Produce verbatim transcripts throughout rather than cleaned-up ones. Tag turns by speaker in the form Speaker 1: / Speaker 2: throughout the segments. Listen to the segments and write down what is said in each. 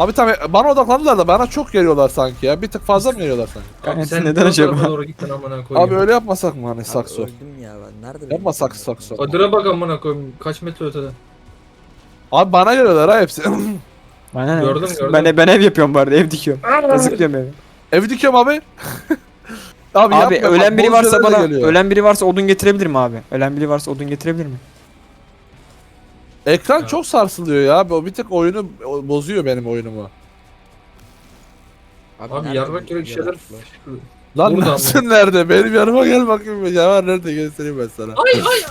Speaker 1: Abi tabii bana odaklandılar da bana çok geliyorlar sanki ya. Bir tık fazla mı geliyorlar sanki?
Speaker 2: Abi
Speaker 3: Evet,
Speaker 2: sen
Speaker 3: neden
Speaker 2: ne
Speaker 3: acaba?
Speaker 2: tarafa doğru gittin amına koyayım.
Speaker 1: Abi öyle yapmasak mı hani
Speaker 4: Abi
Speaker 1: sakso?
Speaker 4: öldüm ya ben. Nerede benim
Speaker 1: Yapma
Speaker 4: itemler?
Speaker 1: sakso sakso.
Speaker 2: Kadir'e bak amına koyayım. Kaç metre ötede.
Speaker 1: Abi bana geliyorlar ha hepsi.
Speaker 3: Bana ne?
Speaker 2: Gördüm, gördüm.
Speaker 3: Ben, ben ev yapıyorum bari, ev dikiyorum. Kazıklıyorum evi.
Speaker 1: Ev dikiyorum abi. Abi,
Speaker 3: Abi
Speaker 1: yapma,
Speaker 3: ölen
Speaker 1: bak,
Speaker 3: biri
Speaker 1: bol
Speaker 3: varsa
Speaker 1: şeyler de
Speaker 3: bana,
Speaker 1: geliyor.
Speaker 3: ölen biri varsa odun getirebilir mi abi? Ölen biri varsa odun getirebilir mi?
Speaker 1: Ekran
Speaker 2: Ya.
Speaker 1: çok sarsılıyor ya. O bir tık oyunu bozuyor benim oyunumu.
Speaker 2: Abi
Speaker 4: nerede
Speaker 2: yarrak
Speaker 4: bu
Speaker 2: gibi bir şeyler.
Speaker 4: yaratıklar?
Speaker 1: Lan
Speaker 2: Burada
Speaker 1: nasıl
Speaker 2: ama.
Speaker 1: nerede? Benim yanıma gel bakayım. Ya var nerede göstereyim ben sana.
Speaker 2: Ay ay.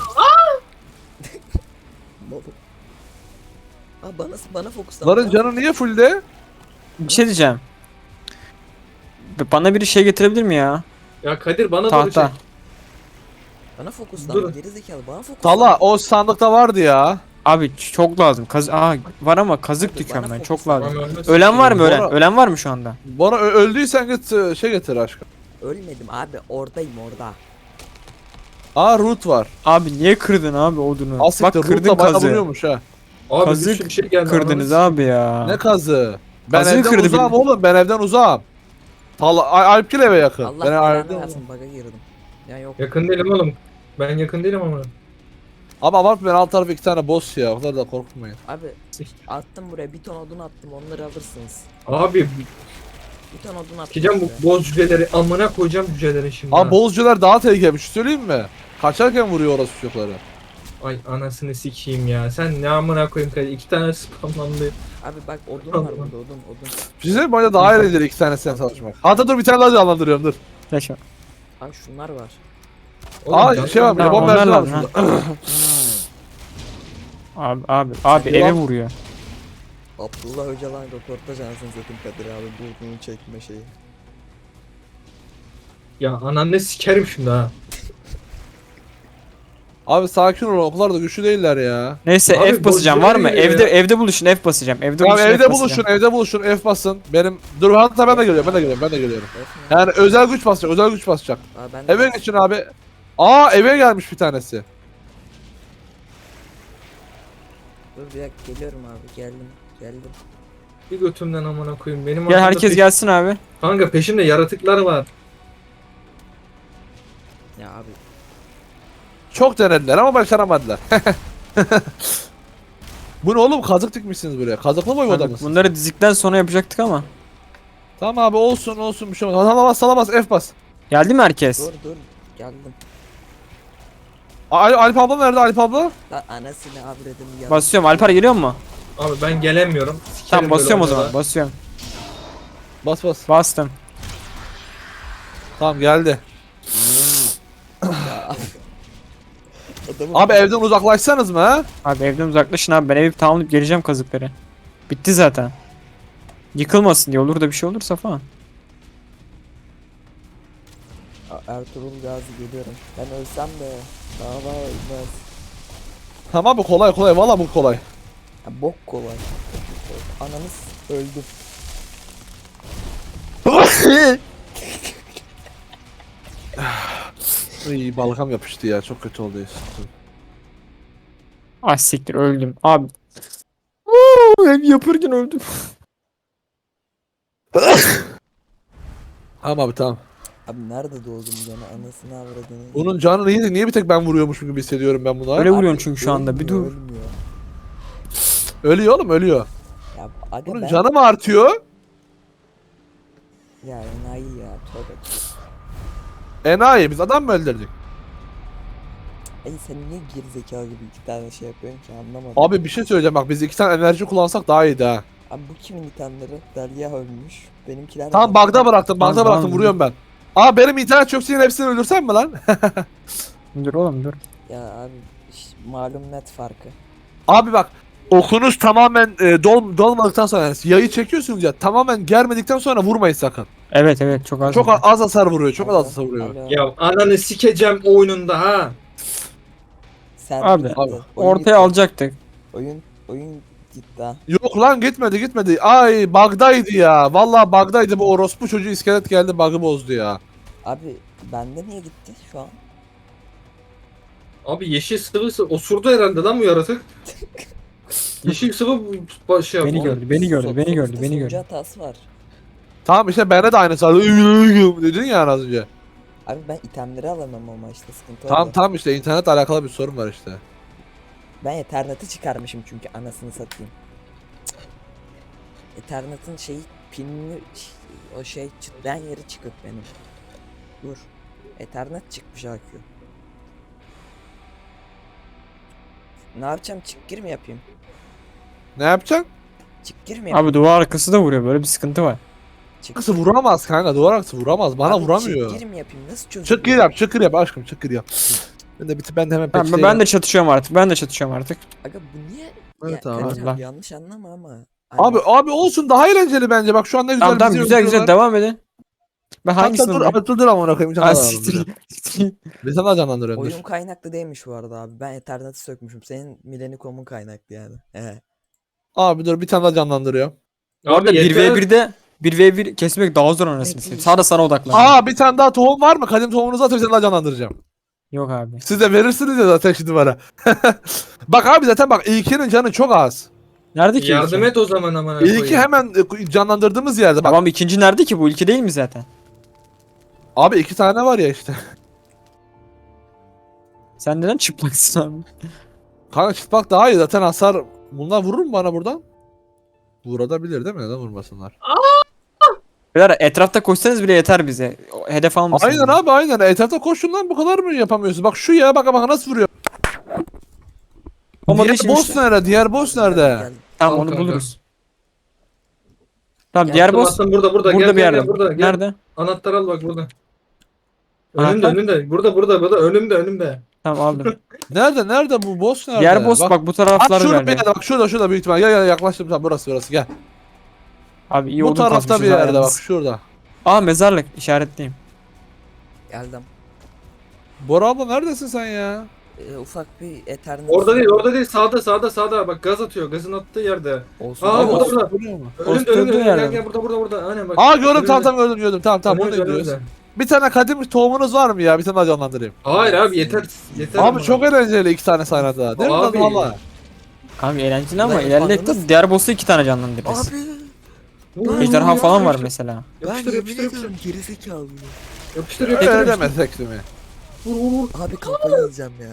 Speaker 4: Baba. Aa bana bana fokuslan.
Speaker 1: Ların canı niye fullde?
Speaker 3: Bir şey diyeceğim. Bana biri şey getirebilir mi ya?
Speaker 2: Ya Kadir bana doğru
Speaker 3: Tahta.
Speaker 2: çek.
Speaker 4: Bana fokuslan.
Speaker 2: Dur.
Speaker 4: Geri zekalı bana fokuslan.
Speaker 1: Tala o sandıkta vardı ya.
Speaker 3: Abi çok lazım. Kaz Aa, var ama kazık
Speaker 4: Abi
Speaker 3: dikiyorum
Speaker 4: bana
Speaker 3: ben. Çok
Speaker 4: fokuslan.
Speaker 3: lazım.
Speaker 2: Lan ölmez.
Speaker 3: Ölen var mı ölen?
Speaker 1: Bora-
Speaker 3: Ölen var mı şu anda?
Speaker 1: Bana ö- öldüysen git e, şey getir aşkım.
Speaker 4: Ölmedim abi oradayım orada.
Speaker 1: Aa root var.
Speaker 3: Abi niye kırdın abi odunu? Bak
Speaker 1: Asiktir
Speaker 3: kırdın
Speaker 1: root'la bayağı
Speaker 3: kazı.
Speaker 1: vuruyormuş ha.
Speaker 2: Abi
Speaker 3: Kazık
Speaker 2: bir sürü şey geldi.
Speaker 3: Kırdınız
Speaker 2: ananı
Speaker 3: abi ya.
Speaker 1: Ne kazı? Ben
Speaker 3: Kazığı
Speaker 1: evden
Speaker 3: kırdı
Speaker 1: uzağım
Speaker 3: bir-
Speaker 1: oğlum. Ben evden uzağım. Tala Al- Alpgil eve yakın.
Speaker 4: Allah
Speaker 1: ben
Speaker 4: belanı
Speaker 1: evden
Speaker 4: versin bug'a girdim. Ya yok.
Speaker 2: Yakın değilim oğlum. Ben yakın değilim ama.
Speaker 1: Ama abart ben alt tarafı iki tane boss ya. O kadar da korkmayın.
Speaker 4: Abi attım buraya bir ton odun attım onları alırsınız.
Speaker 2: Abi
Speaker 4: Bir ton odun attım.
Speaker 2: sikeceğim
Speaker 4: size.
Speaker 2: bu boz cüceleri. Amına koyacağım cüceleri şimdi.
Speaker 1: Abi
Speaker 2: ha.
Speaker 1: bozcular daha tehlikeli bir şey söyleyeyim mi? Kaçarken vuruyor orası çocukları.
Speaker 2: Ay anasını sikeyim ya. Sen ne amına koyayım Kadir. İki tane spamlandı.
Speaker 4: Abi bak odun var burada odun odun.
Speaker 1: Bir şey söyleyeyim mi? Bence daha eğlenceli iki tane sen savaşmak. Hatta dur bir tane daha canlandırıyorum dur.
Speaker 3: Yaşa.
Speaker 4: Abi şunlar var.
Speaker 2: Oğlum,
Speaker 1: Aa
Speaker 2: can-
Speaker 1: şey var.
Speaker 3: Tamam,
Speaker 1: Limon
Speaker 3: onlar
Speaker 1: mercan var
Speaker 3: lazım,
Speaker 1: şurada.
Speaker 3: Abi abi abi
Speaker 1: Sen
Speaker 3: eve
Speaker 1: devam-
Speaker 3: vuruyor.
Speaker 4: Abdullah Öcalan röportaj anasını satayım Kadir abi bu odunu çekme şeyi.
Speaker 2: Ya ananı sikerim şimdi ha.
Speaker 1: Abi sakin ol. O kadar da güçlü değiller ya.
Speaker 3: Neyse
Speaker 2: Abi,
Speaker 3: F basacağım var mı?
Speaker 2: bozduruyor ya.
Speaker 3: Evde evde buluşun F basacağım. Evde
Speaker 1: Tamam
Speaker 3: buluşun F
Speaker 1: evde
Speaker 3: basacağım.
Speaker 1: buluşun, evde buluşun, F basın. Benim dur hatta ben de geliyorum, ben de geliyorum, ben de geliyorum.
Speaker 4: F ne?
Speaker 1: Yani özel güç basacak, özel güç basacak.
Speaker 4: Aa, ben de
Speaker 1: Eve geçin abi. Aa eve gelmiş bir tanesi.
Speaker 4: Dur bir dakika geliyorum abi geldim geldim.
Speaker 2: Bir götümden amına koyayım. Benim
Speaker 3: Gel
Speaker 2: aklımda
Speaker 3: herkes
Speaker 2: peş-
Speaker 3: gelsin abi.
Speaker 2: Kanka peşimde yaratıklar var.
Speaker 4: Ya abi
Speaker 1: Çok denediler ama başaramadılar. Bu ne oğlum kazık dikmişsiniz buraya. Kazıklı boy
Speaker 3: Abi,
Speaker 1: odamız.
Speaker 3: bunları dizikten sonra yapacaktık ama.
Speaker 1: Tamam abi olsun olsun bir şey olmaz. Salamaz salamaz F bas.
Speaker 3: Geldi mi herkes?
Speaker 4: dur dur geldim.
Speaker 1: Al Alp abla nerede Alp abla?
Speaker 4: Lan anasını avradım ya.
Speaker 3: Basıyorum. Alper geliyor mu?
Speaker 2: Abi ben gelemiyorum. Sikerim
Speaker 3: Tamam
Speaker 2: böyle
Speaker 3: basıyorum o
Speaker 2: oyunlara.
Speaker 3: zaman. Basıyorum.
Speaker 1: Bas bas.
Speaker 3: Bastım.
Speaker 1: Tamam geldi.
Speaker 4: Adamın
Speaker 1: Abi evden uzaklaşsanız mı ha?
Speaker 3: Abi evden uzaklaşın abi. Ben evi tamamlayıp geleceğim kazıkları. Bitti zaten. Yıkılmasın diye olur da bir şey olursa falan.
Speaker 4: A- Ertuğrul Gazi geliyorum. Ben ölsem de dava ölmez.
Speaker 1: Tamam bu kolay kolay valla bu kolay.
Speaker 4: Ya bok kolay. Ananız öldüm.
Speaker 1: İyi balgam yapıştı ya çok kötü oldu.
Speaker 3: Ah siktir öldüm. Abi. Uuu, ev yapırken öldüm.
Speaker 1: Tamam abi tamam.
Speaker 4: Abi nerede doğdum gene anasını avradını.
Speaker 1: Bunun canı neydi? Niye bir tek ben vuruyormuşum gibi hissediyorum ben buna?
Speaker 3: Öyle
Speaker 4: Abi,
Speaker 3: vuruyorsun çünkü şu anda. Bir
Speaker 4: ölmüyor,
Speaker 3: dur.
Speaker 4: Ölmüyor.
Speaker 1: Ölüyor oğlum ölüyor.
Speaker 4: Ya aga
Speaker 1: Bunun
Speaker 4: ben...
Speaker 1: canı mı artıyor?
Speaker 4: Ya enayi ya tövbe.
Speaker 1: Enayi biz adam mı öldürdük?
Speaker 4: Ay sen niye gerizekalı gibi iki tane şey yapıyorsun ki anlamadım.
Speaker 1: Abi bir şey söyleyeceğim bak biz iki tane enerji kullansak daha iyiydi ha.
Speaker 4: Abi bu kimin itemleri? Derya ölmüş. Benimkiler...
Speaker 1: Tamam
Speaker 4: nerede?
Speaker 1: bug'da bıraktım bug'da
Speaker 3: Tamam,
Speaker 1: bıraktım
Speaker 3: tamam.
Speaker 1: vuruyorum ben. Aa benim internet çöksün yine hepsini öldürsem mi lan?
Speaker 3: Dur oğlum dur.
Speaker 4: Ya abi işte malum net farkı.
Speaker 1: Abi bak okunuz tamamen e, dol, dolmadıktan sonra yani yayı çekiyorsunuz ya tamamen germedikten sonra vurmayın sakın.
Speaker 3: Evet evet çok az.
Speaker 1: Çok a- az hasar vuruyor çok az
Speaker 4: Alo,
Speaker 1: hasar vuruyor.
Speaker 4: alo.
Speaker 2: Ya ananı sikeceğim oyununda ha.
Speaker 4: Sen
Speaker 3: Abi,
Speaker 4: gitti.
Speaker 1: abi,
Speaker 4: Oyun
Speaker 3: Ortaya
Speaker 4: gitti.
Speaker 3: alacaktık.
Speaker 4: Oyun oyun gitti ha.
Speaker 1: Yok lan gitmedi gitmedi. Ay bug'daydı ya. Vallahi bug'daydı bu orospu çocuğu iskelet geldi bug'ı bozdu ya.
Speaker 4: Abi bende niye gitti şu an?
Speaker 2: Abi yeşil sıvısı osurdu herhalde lan bu yaratık. Yeşil sıvı başı yap.
Speaker 3: Beni
Speaker 2: oğlum.
Speaker 3: gördü, beni gördü,
Speaker 4: Sok-
Speaker 3: beni gördü,
Speaker 4: sonuçta
Speaker 3: beni
Speaker 4: sunucu
Speaker 3: gördü.
Speaker 4: hatası var.
Speaker 1: Tamam işte bende de aynısı vardı. Dedin ya az önce.
Speaker 4: Abi ben itemleri alamam ama işte sıkıntı
Speaker 1: Tamam
Speaker 4: orada.
Speaker 1: tamam işte internetle alakalı bir sorun var işte.
Speaker 4: Ben Ethernet'i çıkarmışım çünkü anasını satayım. Ethernet'in şeyi pinini o şey çıtlayan yeri çıkık benim. Dur. Ethernet çıkmış A Q. Ne yapacağım? Çık gir mi yapayım?
Speaker 1: Ne yapacaksın?
Speaker 4: Çık gir mi yapayım?
Speaker 3: Abi duvar arkası da vuruyor. Böyle bir sıkıntı var.
Speaker 4: Çık
Speaker 1: Arkası
Speaker 4: gir.
Speaker 1: vuramaz kanka, duvar arkası vuramaz. Bana
Speaker 4: Abi
Speaker 1: vuramıyor.
Speaker 4: Çık gir mi yapayım? Nasıl çözüm?
Speaker 1: Çık gir yap, çık gir yap aşkım, çık gir yap. Ben de biti ben de hemen
Speaker 3: Tamam, ben,
Speaker 1: peşteyim.
Speaker 3: ben de çatışıyorum artık. Ben de çatışıyorum artık.
Speaker 4: Aga bu niye?
Speaker 1: Evet
Speaker 4: ya,
Speaker 1: abi.
Speaker 4: Kadir
Speaker 3: Allah.
Speaker 4: yanlış anlama ama.
Speaker 1: Abi abi olsun, daha eğlenceli bence. Bak şu an ne güzel
Speaker 3: Tamam tamam
Speaker 1: bizi
Speaker 3: güzel güzel
Speaker 1: öldürüyorlar.
Speaker 3: devam edin. Ben
Speaker 1: Hatta
Speaker 3: hangisini
Speaker 1: dur,
Speaker 3: vurayım?
Speaker 1: abi dur dur amına koyayım. Bir tane
Speaker 3: Ha
Speaker 1: daha
Speaker 3: siktir.
Speaker 1: canlandırıyorum.
Speaker 3: siktir.
Speaker 1: Bir tane daha canlandırıyorum dur.
Speaker 4: Oyun kaynaklı değilmiş bu arada abi. Ben Ethernet'i sökmüşüm. Senin Millennium'un kaynaklı yani. He.
Speaker 1: Abi dur bir tane daha canlandırıyorum.
Speaker 3: Bu arada
Speaker 2: Abi
Speaker 3: bir
Speaker 2: yeter.
Speaker 3: ve birde bir ve bir kesmek daha zor anasını satayım. Sağda sana odaklan.
Speaker 1: Aa bir tane daha tohum var mı? Kadim tohumunuzu atıp bir tane daha canlandıracağım.
Speaker 3: Yok abi.
Speaker 1: Siz de verirsiniz ya zaten şimdi bana. Bak abi zaten bak İlki'nin canı çok az.
Speaker 3: Nerede ki
Speaker 2: Yardım
Speaker 3: ilki?
Speaker 2: et o zaman amına
Speaker 1: İlki
Speaker 2: koyayım.
Speaker 1: hemen e, canlandırdığımız yerde bak.
Speaker 3: Tamam ikinci nerede ki bu? İlki değil mi zaten?
Speaker 1: Abi iki tane var ya işte.
Speaker 3: Sen neden çıplaksın abi?
Speaker 1: Kanka çıplak daha iyi zaten hasar. Bunlar vurur mu bana buradan? Vurabilir değil mi? Neden vurmasınlar?
Speaker 3: Beyler etrafta koşsanız bile yeter bize. O hedef almasın.
Speaker 1: Aynen
Speaker 3: bizi.
Speaker 1: abi aynen. Etrafta koşun lan, bu kadar mı yapamıyorsun? Bak şu ya, bak bak nasıl vuruyor.
Speaker 3: Olmadı
Speaker 1: Diğer
Speaker 3: işin
Speaker 1: boss
Speaker 3: işte.
Speaker 1: nerede? Diğer boss nerede?
Speaker 4: Gel.
Speaker 3: Tamam
Speaker 2: Al
Speaker 3: onu
Speaker 2: kanka.
Speaker 3: buluruz. Tamam
Speaker 4: Gel,
Speaker 3: diğer
Speaker 2: Attım,
Speaker 3: boss
Speaker 2: attım, burada burada.
Speaker 3: burada
Speaker 2: Gel,
Speaker 3: bir
Speaker 2: gel,
Speaker 3: yerde.
Speaker 2: gel, burada. Gel.
Speaker 3: Nerede?
Speaker 2: Anahtar al bak burada.
Speaker 3: Anahtar?
Speaker 2: Önümde önümde. Burada burada burada. Önümde önümde.
Speaker 3: Tamam aldım.
Speaker 1: Nerede? Nerede bu boss nerede?
Speaker 3: Diğer boss bak, bu
Speaker 1: Bak
Speaker 3: taraflarda
Speaker 1: şurada bir
Speaker 3: galiba.
Speaker 1: yerde, bak şurada şurada büyük ihtimal. Gel gel yaklaştım, tamam burası burası gel.
Speaker 3: Abi iyi
Speaker 1: Bu
Speaker 3: odun
Speaker 1: tarafta
Speaker 3: kazmışız
Speaker 1: bir
Speaker 3: ha
Speaker 1: yerde bak
Speaker 3: yalnız.
Speaker 1: şurada.
Speaker 3: Aa mezarlık işaretleyeyim.
Speaker 4: Geldim.
Speaker 1: Bora abla neredesin sen ya?
Speaker 4: Ee, ufak bir Ethernet.
Speaker 2: Orada değil orada değil. Sağda sağda sağda. Bak gaz atıyor. Gazın attığı yerde.
Speaker 4: Olsun.
Speaker 2: Aa,
Speaker 4: Olsun.
Speaker 2: burada, burada.
Speaker 1: Vuruyor mu?
Speaker 2: Önümde
Speaker 3: Orası
Speaker 2: önümde.
Speaker 3: öldüğü
Speaker 2: önümde.
Speaker 3: yerde
Speaker 2: Gel
Speaker 3: mi?
Speaker 2: gel burada burada burada. Aynen bak.
Speaker 1: Aa gördüm, tamam
Speaker 2: Önümde.
Speaker 1: tamam gördüm gördüm, tamam tamam bunu
Speaker 2: Önümde,
Speaker 1: diyoruz.
Speaker 2: önümde.
Speaker 1: Bir tane kadim tohumunuz var mı ya? Bir tane daha canlandırayım.
Speaker 2: Hayır abi yeter. Yeter.
Speaker 1: Abi
Speaker 2: ama.
Speaker 1: çok eğlenceli iki tane sahnede daha. Değil mi
Speaker 2: Abi.
Speaker 1: lan valla?
Speaker 3: Abi eğlenceli ama
Speaker 4: Ulan
Speaker 3: ilerledik
Speaker 4: anladınız.
Speaker 3: de diğer boss'u iki tane canlandırırız.
Speaker 4: Abi
Speaker 2: Vur, vur,
Speaker 3: Ejderha
Speaker 2: vur,
Speaker 3: falan var
Speaker 2: yapıştır.
Speaker 3: mesela.
Speaker 4: ben
Speaker 2: Yapıştır
Speaker 4: yemin
Speaker 2: yapıştır yapıştır.
Speaker 4: ediyorum gerizekalı.
Speaker 2: Yapıştır
Speaker 1: Öyle
Speaker 2: yapıştır. yapıştır.
Speaker 1: demesek değil mi?
Speaker 2: Vur vur vur.
Speaker 4: Abi kafayı yiyeceğim ya.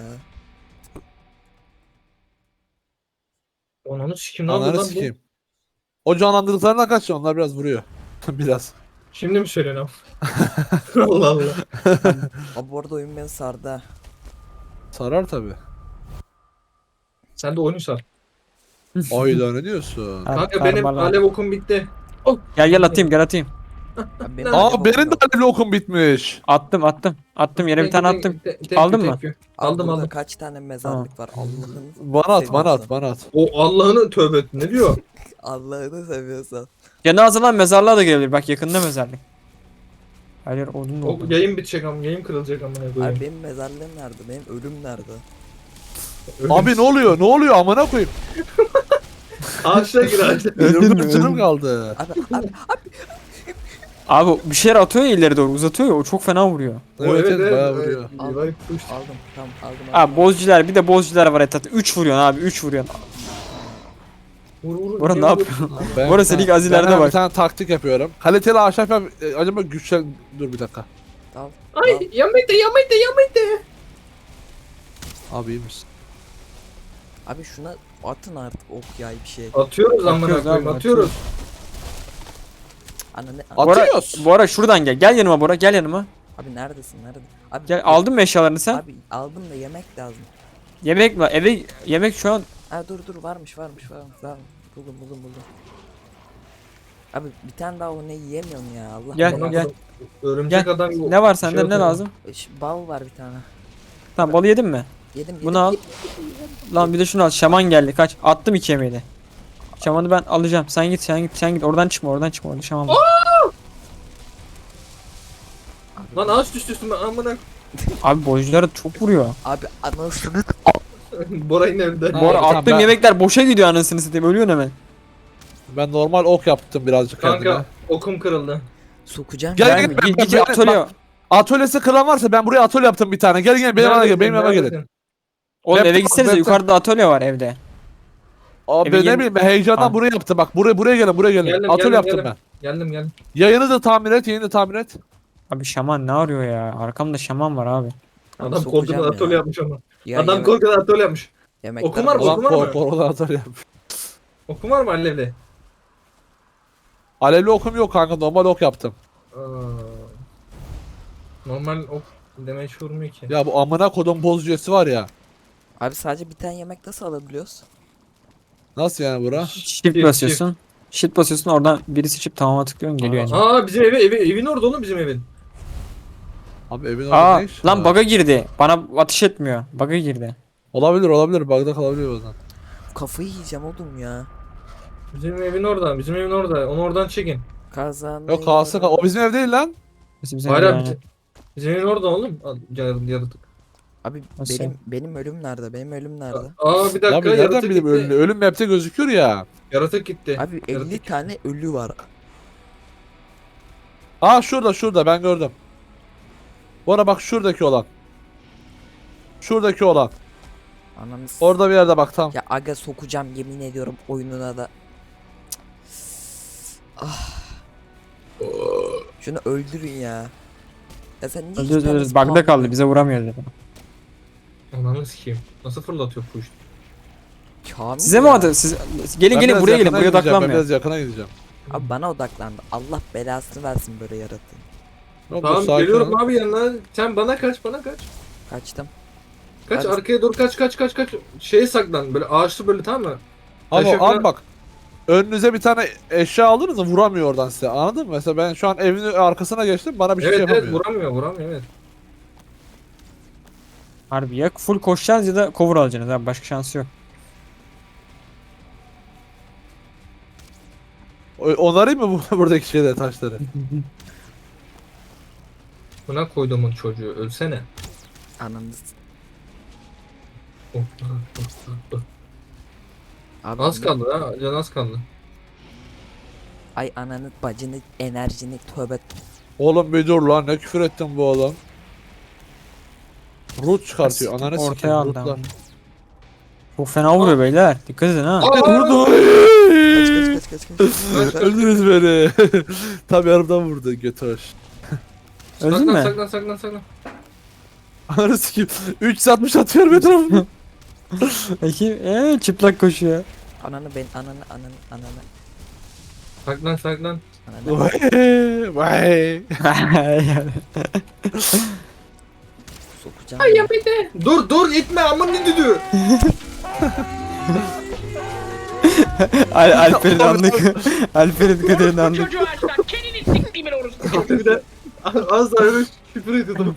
Speaker 2: Ananı sikim ne yapıyor
Speaker 1: Ananı
Speaker 2: lan bu?
Speaker 1: sikeyim. O canlandırdıklarından kaç, onlar biraz vuruyor. biraz.
Speaker 2: Şimdi mi söylüyorsun abi? Allah Allah.
Speaker 4: Abi bu arada oyun beni sardı ha.
Speaker 1: Sarar tabi.
Speaker 2: Sen de oyunu sar.
Speaker 1: Ayda ne diyorsun?
Speaker 3: Ha,
Speaker 2: Kanka benim
Speaker 3: sarmalar.
Speaker 2: alev okum bitti. Oh.
Speaker 3: Gel gel atayım gel atayım.
Speaker 4: Abi benim
Speaker 1: Aa
Speaker 4: acaba
Speaker 1: benim de
Speaker 4: yok.
Speaker 1: alevli okum bitmiş.
Speaker 3: Attım attım. Attım yere bir tane attım.
Speaker 2: Thank you,
Speaker 3: Aldın
Speaker 2: thank you.
Speaker 4: Abi
Speaker 2: Aldım
Speaker 4: burada
Speaker 2: aldım.
Speaker 4: kaç tane mezarlık var Allah'ın.
Speaker 1: Bana at bana at
Speaker 4: seviyorsan.
Speaker 1: bana at.
Speaker 2: O Allah'ını tövbe et. Ne diyor?
Speaker 4: Allah'ını seviyorsan.
Speaker 3: Cenaze lan mezarlığa da gelebilir. Bak yakında mezarlık. Hayır odun da
Speaker 2: O
Speaker 3: oldu.
Speaker 2: yayın bitecek ama yayın kırılacak amına
Speaker 4: Abi
Speaker 2: koyayım.
Speaker 4: benim mezarlığım nerede? Benim ölüm nerede?
Speaker 2: Öldüm.
Speaker 1: Abi ne oluyor? Ne oluyor amına koyayım?
Speaker 2: Ağaçla gir ağaçla.
Speaker 3: Öldün
Speaker 1: Yirmi
Speaker 3: mü?
Speaker 1: dört canım
Speaker 3: Öldün.
Speaker 1: kaldı.
Speaker 4: Abi abi
Speaker 3: Abi bir şeyler atıyor ya ileri doğru uzatıyor ya o çok fena vuruyor.
Speaker 1: Evet evet bayağı vuruyor.
Speaker 4: Al.
Speaker 2: Vay push.
Speaker 4: aldım tamam aldım. aldım.
Speaker 3: Abi bozcular bir de bozcular var etrafta. üç vuruyorsun abi üç vuruyorsun.
Speaker 2: Vur vur.
Speaker 3: Bora ne
Speaker 2: Vur.
Speaker 3: yapıyorsun?
Speaker 1: Ben,
Speaker 3: Bu arada senin ilk
Speaker 1: ben
Speaker 3: azilerde
Speaker 1: hemen
Speaker 3: bak.
Speaker 1: Bir tane taktik yapıyorum. Kaliteli ahşap yap. e, Acaba güçlen... Dur bir dakika.
Speaker 4: Al.
Speaker 2: Ay yamaydı yamaydı yamaydı.
Speaker 1: Abi iyi misin?
Speaker 4: Abi şuna atın artık ok yay bir şey.
Speaker 2: Atıyoruz amına
Speaker 3: Atıyoruz
Speaker 2: koyayım
Speaker 3: abi,
Speaker 2: atıyoruz.
Speaker 4: Ana ne?
Speaker 1: At-
Speaker 3: Bora,
Speaker 1: Atıyoruz.
Speaker 3: Bora şuradan gel. Gel yanıma Bora gel yanıma.
Speaker 4: Abi neredesin nerede? Abi
Speaker 3: Gel aldın mı eşyalarını sen?
Speaker 4: Abi aldım da yemek lazım.
Speaker 3: Yemek var. Eve yemek şu an
Speaker 4: Ha dur dur varmış varmış varmış. Varmış. Buldum buldum buldum. Abi bir tane daha onu yiyemiyorum ya Allah.
Speaker 3: Gel,
Speaker 4: belanı.
Speaker 3: gel.
Speaker 2: Örümcek
Speaker 3: Gel.
Speaker 2: adam gibi.
Speaker 3: ne var
Speaker 2: şey
Speaker 3: sende ne
Speaker 2: atıyor.
Speaker 3: lazım?
Speaker 4: Ş- Bal var bir tane.
Speaker 3: Tamam balı yedin mi?
Speaker 4: Yedim yedim.
Speaker 3: Bunu al. Lan bir de şunu al. Şaman geldi. Kaç. Attım iki yemeği de. Şamanı ben alacağım. Sen git sen git sen git. Oradan çıkma oradan çıkma. Orada şaman var.
Speaker 2: Lan ağaç düştü üstüme amına.
Speaker 3: Abi boycuları çok vuruyor.
Speaker 4: Abi anasını
Speaker 2: Bora yine evde.
Speaker 1: Ha,
Speaker 3: Bora
Speaker 1: tamam,
Speaker 3: attığım
Speaker 1: ben-
Speaker 3: yemekler boşa gidiyor anasını satayım. Ölüyorsun hemen.
Speaker 1: Ben normal ok yaptım birazcık kendime.
Speaker 2: Kanka okum kırıldı.
Speaker 4: sokacağım.
Speaker 1: Gel,
Speaker 4: ya.
Speaker 1: gel.
Speaker 3: Gel,
Speaker 1: ben-
Speaker 3: git git
Speaker 1: ben-
Speaker 3: atölye.
Speaker 1: bak- Atölyesi kıran varsa ben buraya atölye yaptım bir tane. Gel gel benim yanıma gel.
Speaker 2: Neredesin,
Speaker 1: Benim yanıma gelin.
Speaker 2: neredesin?
Speaker 3: Oğlum
Speaker 1: Laptop-
Speaker 3: eve gitsenize
Speaker 1: laptop-
Speaker 3: yukarıda atölye var evde.
Speaker 1: Abi
Speaker 3: Evin
Speaker 1: ne
Speaker 3: yeni-
Speaker 1: bileyim ben heyecandan
Speaker 3: Aa.
Speaker 1: buraya yaptım bak buraya buraya gelin buraya gelin.
Speaker 2: Geldim,
Speaker 1: Atölye
Speaker 2: geldim,
Speaker 1: yaptım
Speaker 2: geldim.
Speaker 1: ben.
Speaker 2: Geldim geldim.
Speaker 1: Yayını da tamir et yayını da tamir et.
Speaker 3: Abi şaman ne arıyor ya? Arkamda şaman var abi.
Speaker 4: Abi
Speaker 2: Adam
Speaker 4: sokacağım
Speaker 2: korkudan atölye
Speaker 4: ya.
Speaker 2: yapmış ama.
Speaker 4: Ya
Speaker 2: Adam
Speaker 4: yemek-
Speaker 2: korkudan atölye yapmış.
Speaker 4: yemekler
Speaker 2: Okum var mı?
Speaker 4: bozuldu.
Speaker 1: Ulan
Speaker 2: Okum var mı?
Speaker 1: kor korkudan atölye yapmış.
Speaker 2: Okum var mı alevli?
Speaker 1: Alevli okum yok kanka normal ok yaptım.
Speaker 2: Aa, normal ok damage vurmuyor ki.
Speaker 1: Ya bu amına kodum bozucusu var ya.
Speaker 4: Abi sadece bir tane yemek nasıl alabiliyoruz?
Speaker 1: Nasıl yani bura?
Speaker 3: Shift basıyorsun. Shift basıyorsun oradan birisi çip tamama tıklıyorsun geliyor yani.
Speaker 2: Aa bizim evi, evi evin orada oğlum bizim evin.
Speaker 1: Abi evin orada
Speaker 3: Aa
Speaker 1: ne iş
Speaker 3: lan
Speaker 1: var?
Speaker 3: bug'a girdi. Bana ateş etmiyor. Bug'a girdi.
Speaker 1: Olabilir olabilir bug'da kalabiliyor bazen.
Speaker 4: Kafayı yiyeceğim oğlum ya.
Speaker 2: Bizim evin orada, bizim evin orada. Onu oradan çekin.
Speaker 4: Kazan.
Speaker 1: Yok kalsın kal- o bizim ev değil lan.
Speaker 3: Bizim bizim
Speaker 2: Hayır
Speaker 3: yani.
Speaker 2: abi. bizim- Bizim evin orada oğlum. Al, yar- Yaratık.
Speaker 4: Abi
Speaker 3: Nasıl?
Speaker 4: benim benim ölüm nerede? Benim ölüm nerede?
Speaker 2: Aa bir dakika
Speaker 1: Abi nereden
Speaker 2: yaratık
Speaker 1: bileyim
Speaker 2: gitti.
Speaker 1: ölüm, ölüm map'te gözüküyor ya.
Speaker 2: Yaratık gitti.
Speaker 4: Abi elli
Speaker 2: Yaratık.
Speaker 4: tane ölü var.
Speaker 1: Aa şurada şurada ben gördüm. Bu ara bak şuradaki olan. Şuradaki olan.
Speaker 4: Ananı s-
Speaker 1: Orada bir yerde bak tam.
Speaker 4: Ya aga sokacağım yemin ediyorum oyununa da. Ah. Şunu öldürün ya. Ya sen niye
Speaker 3: Öldürüyoruz
Speaker 4: hiç tane
Speaker 3: öldürüyoruz. Bug'da
Speaker 4: spawn-
Speaker 3: kaldı bize vuramıyor dedi.
Speaker 2: Ananı sikeyim. Nasıl fırlatıyor push?
Speaker 4: Kamil
Speaker 3: Size mi
Speaker 4: ya.
Speaker 3: adı? Siz gelin
Speaker 1: Ben
Speaker 3: gelin
Speaker 1: biraz
Speaker 3: buraya gelin.
Speaker 1: yakına
Speaker 3: Buraya
Speaker 1: gideceğim, ben
Speaker 3: odaklanmıyor.
Speaker 1: biraz yakına gideceğim.
Speaker 4: Abi bana odaklandı. Allah belasını versin böyle yaratın.
Speaker 1: Yok, dur,
Speaker 2: Tamam
Speaker 1: sakin
Speaker 2: geliyorum
Speaker 1: ol.
Speaker 2: abi yanına. Sen bana kaç bana kaç.
Speaker 4: Kaçtım.
Speaker 2: Kaç
Speaker 4: Hadi.
Speaker 2: arkaya doğru kaç kaç kaç kaç. Şeye saklan böyle ağaçlı böyle tamam mı?
Speaker 1: Ama
Speaker 2: Taşa
Speaker 1: al
Speaker 2: falan-
Speaker 1: bak. Önünüze bir tane eşya aldınız mı vuramıyor oradan size anladın mı? Mesela ben şu an evin arkasına geçtim bana bir şey
Speaker 2: evet evet
Speaker 1: yapamıyor.
Speaker 2: vuramıyor vuramıyor evet.
Speaker 3: Harbi ya full koşacağız ya da cover alacaksınız abi. Başka şansı yok.
Speaker 1: O- Onarayım mı bu buradaki şeyleri taşları?
Speaker 2: Buna koyduğumun çocuğu ölsene.
Speaker 4: Ananı s-
Speaker 2: Oh, oh, oh, oh.
Speaker 4: Abi
Speaker 2: Az
Speaker 4: ne-
Speaker 2: kaldı ha can az kaldı.
Speaker 4: Ay ananı bacını enerjini tövbe.
Speaker 1: Oğlum bir dur lan ne küfür ettin bu oğlum. Root çıkartıyor
Speaker 3: Siktir,
Speaker 1: ananı
Speaker 3: ortaya
Speaker 1: sikeyim
Speaker 3: aldı
Speaker 1: rootlar.
Speaker 3: ama. Çok fena vuruyor beyler. Dikkat edin ha.
Speaker 2: Aa!
Speaker 1: Vurdu.
Speaker 4: Kaç kaç kaç kaç kaç.
Speaker 1: Öldünüz beni. Tam yarımdan vurdu götür.
Speaker 3: Öldün
Speaker 2: saklan,
Speaker 3: mü?
Speaker 2: Saklan saklan saklan.
Speaker 1: Ananı sikeyim. üç yüz altmış atıyorum etrafıma.
Speaker 3: Peki ee, çıplak koşuyor.
Speaker 4: Ananı ben ananı ananı ananı
Speaker 2: Saklan saklan.
Speaker 4: ananı.
Speaker 1: Vay vay.
Speaker 4: Sokacağım.
Speaker 2: Ay
Speaker 4: ya.
Speaker 2: ya bir de. Dur dur itme aman ne düdüğü.
Speaker 3: Al Alper'in anlık. Alper'in dikkat edin anlık.
Speaker 5: Çocuğu açtan kendini siktiğimin orospu.
Speaker 2: bir de az daha öyle küfür ediyordum.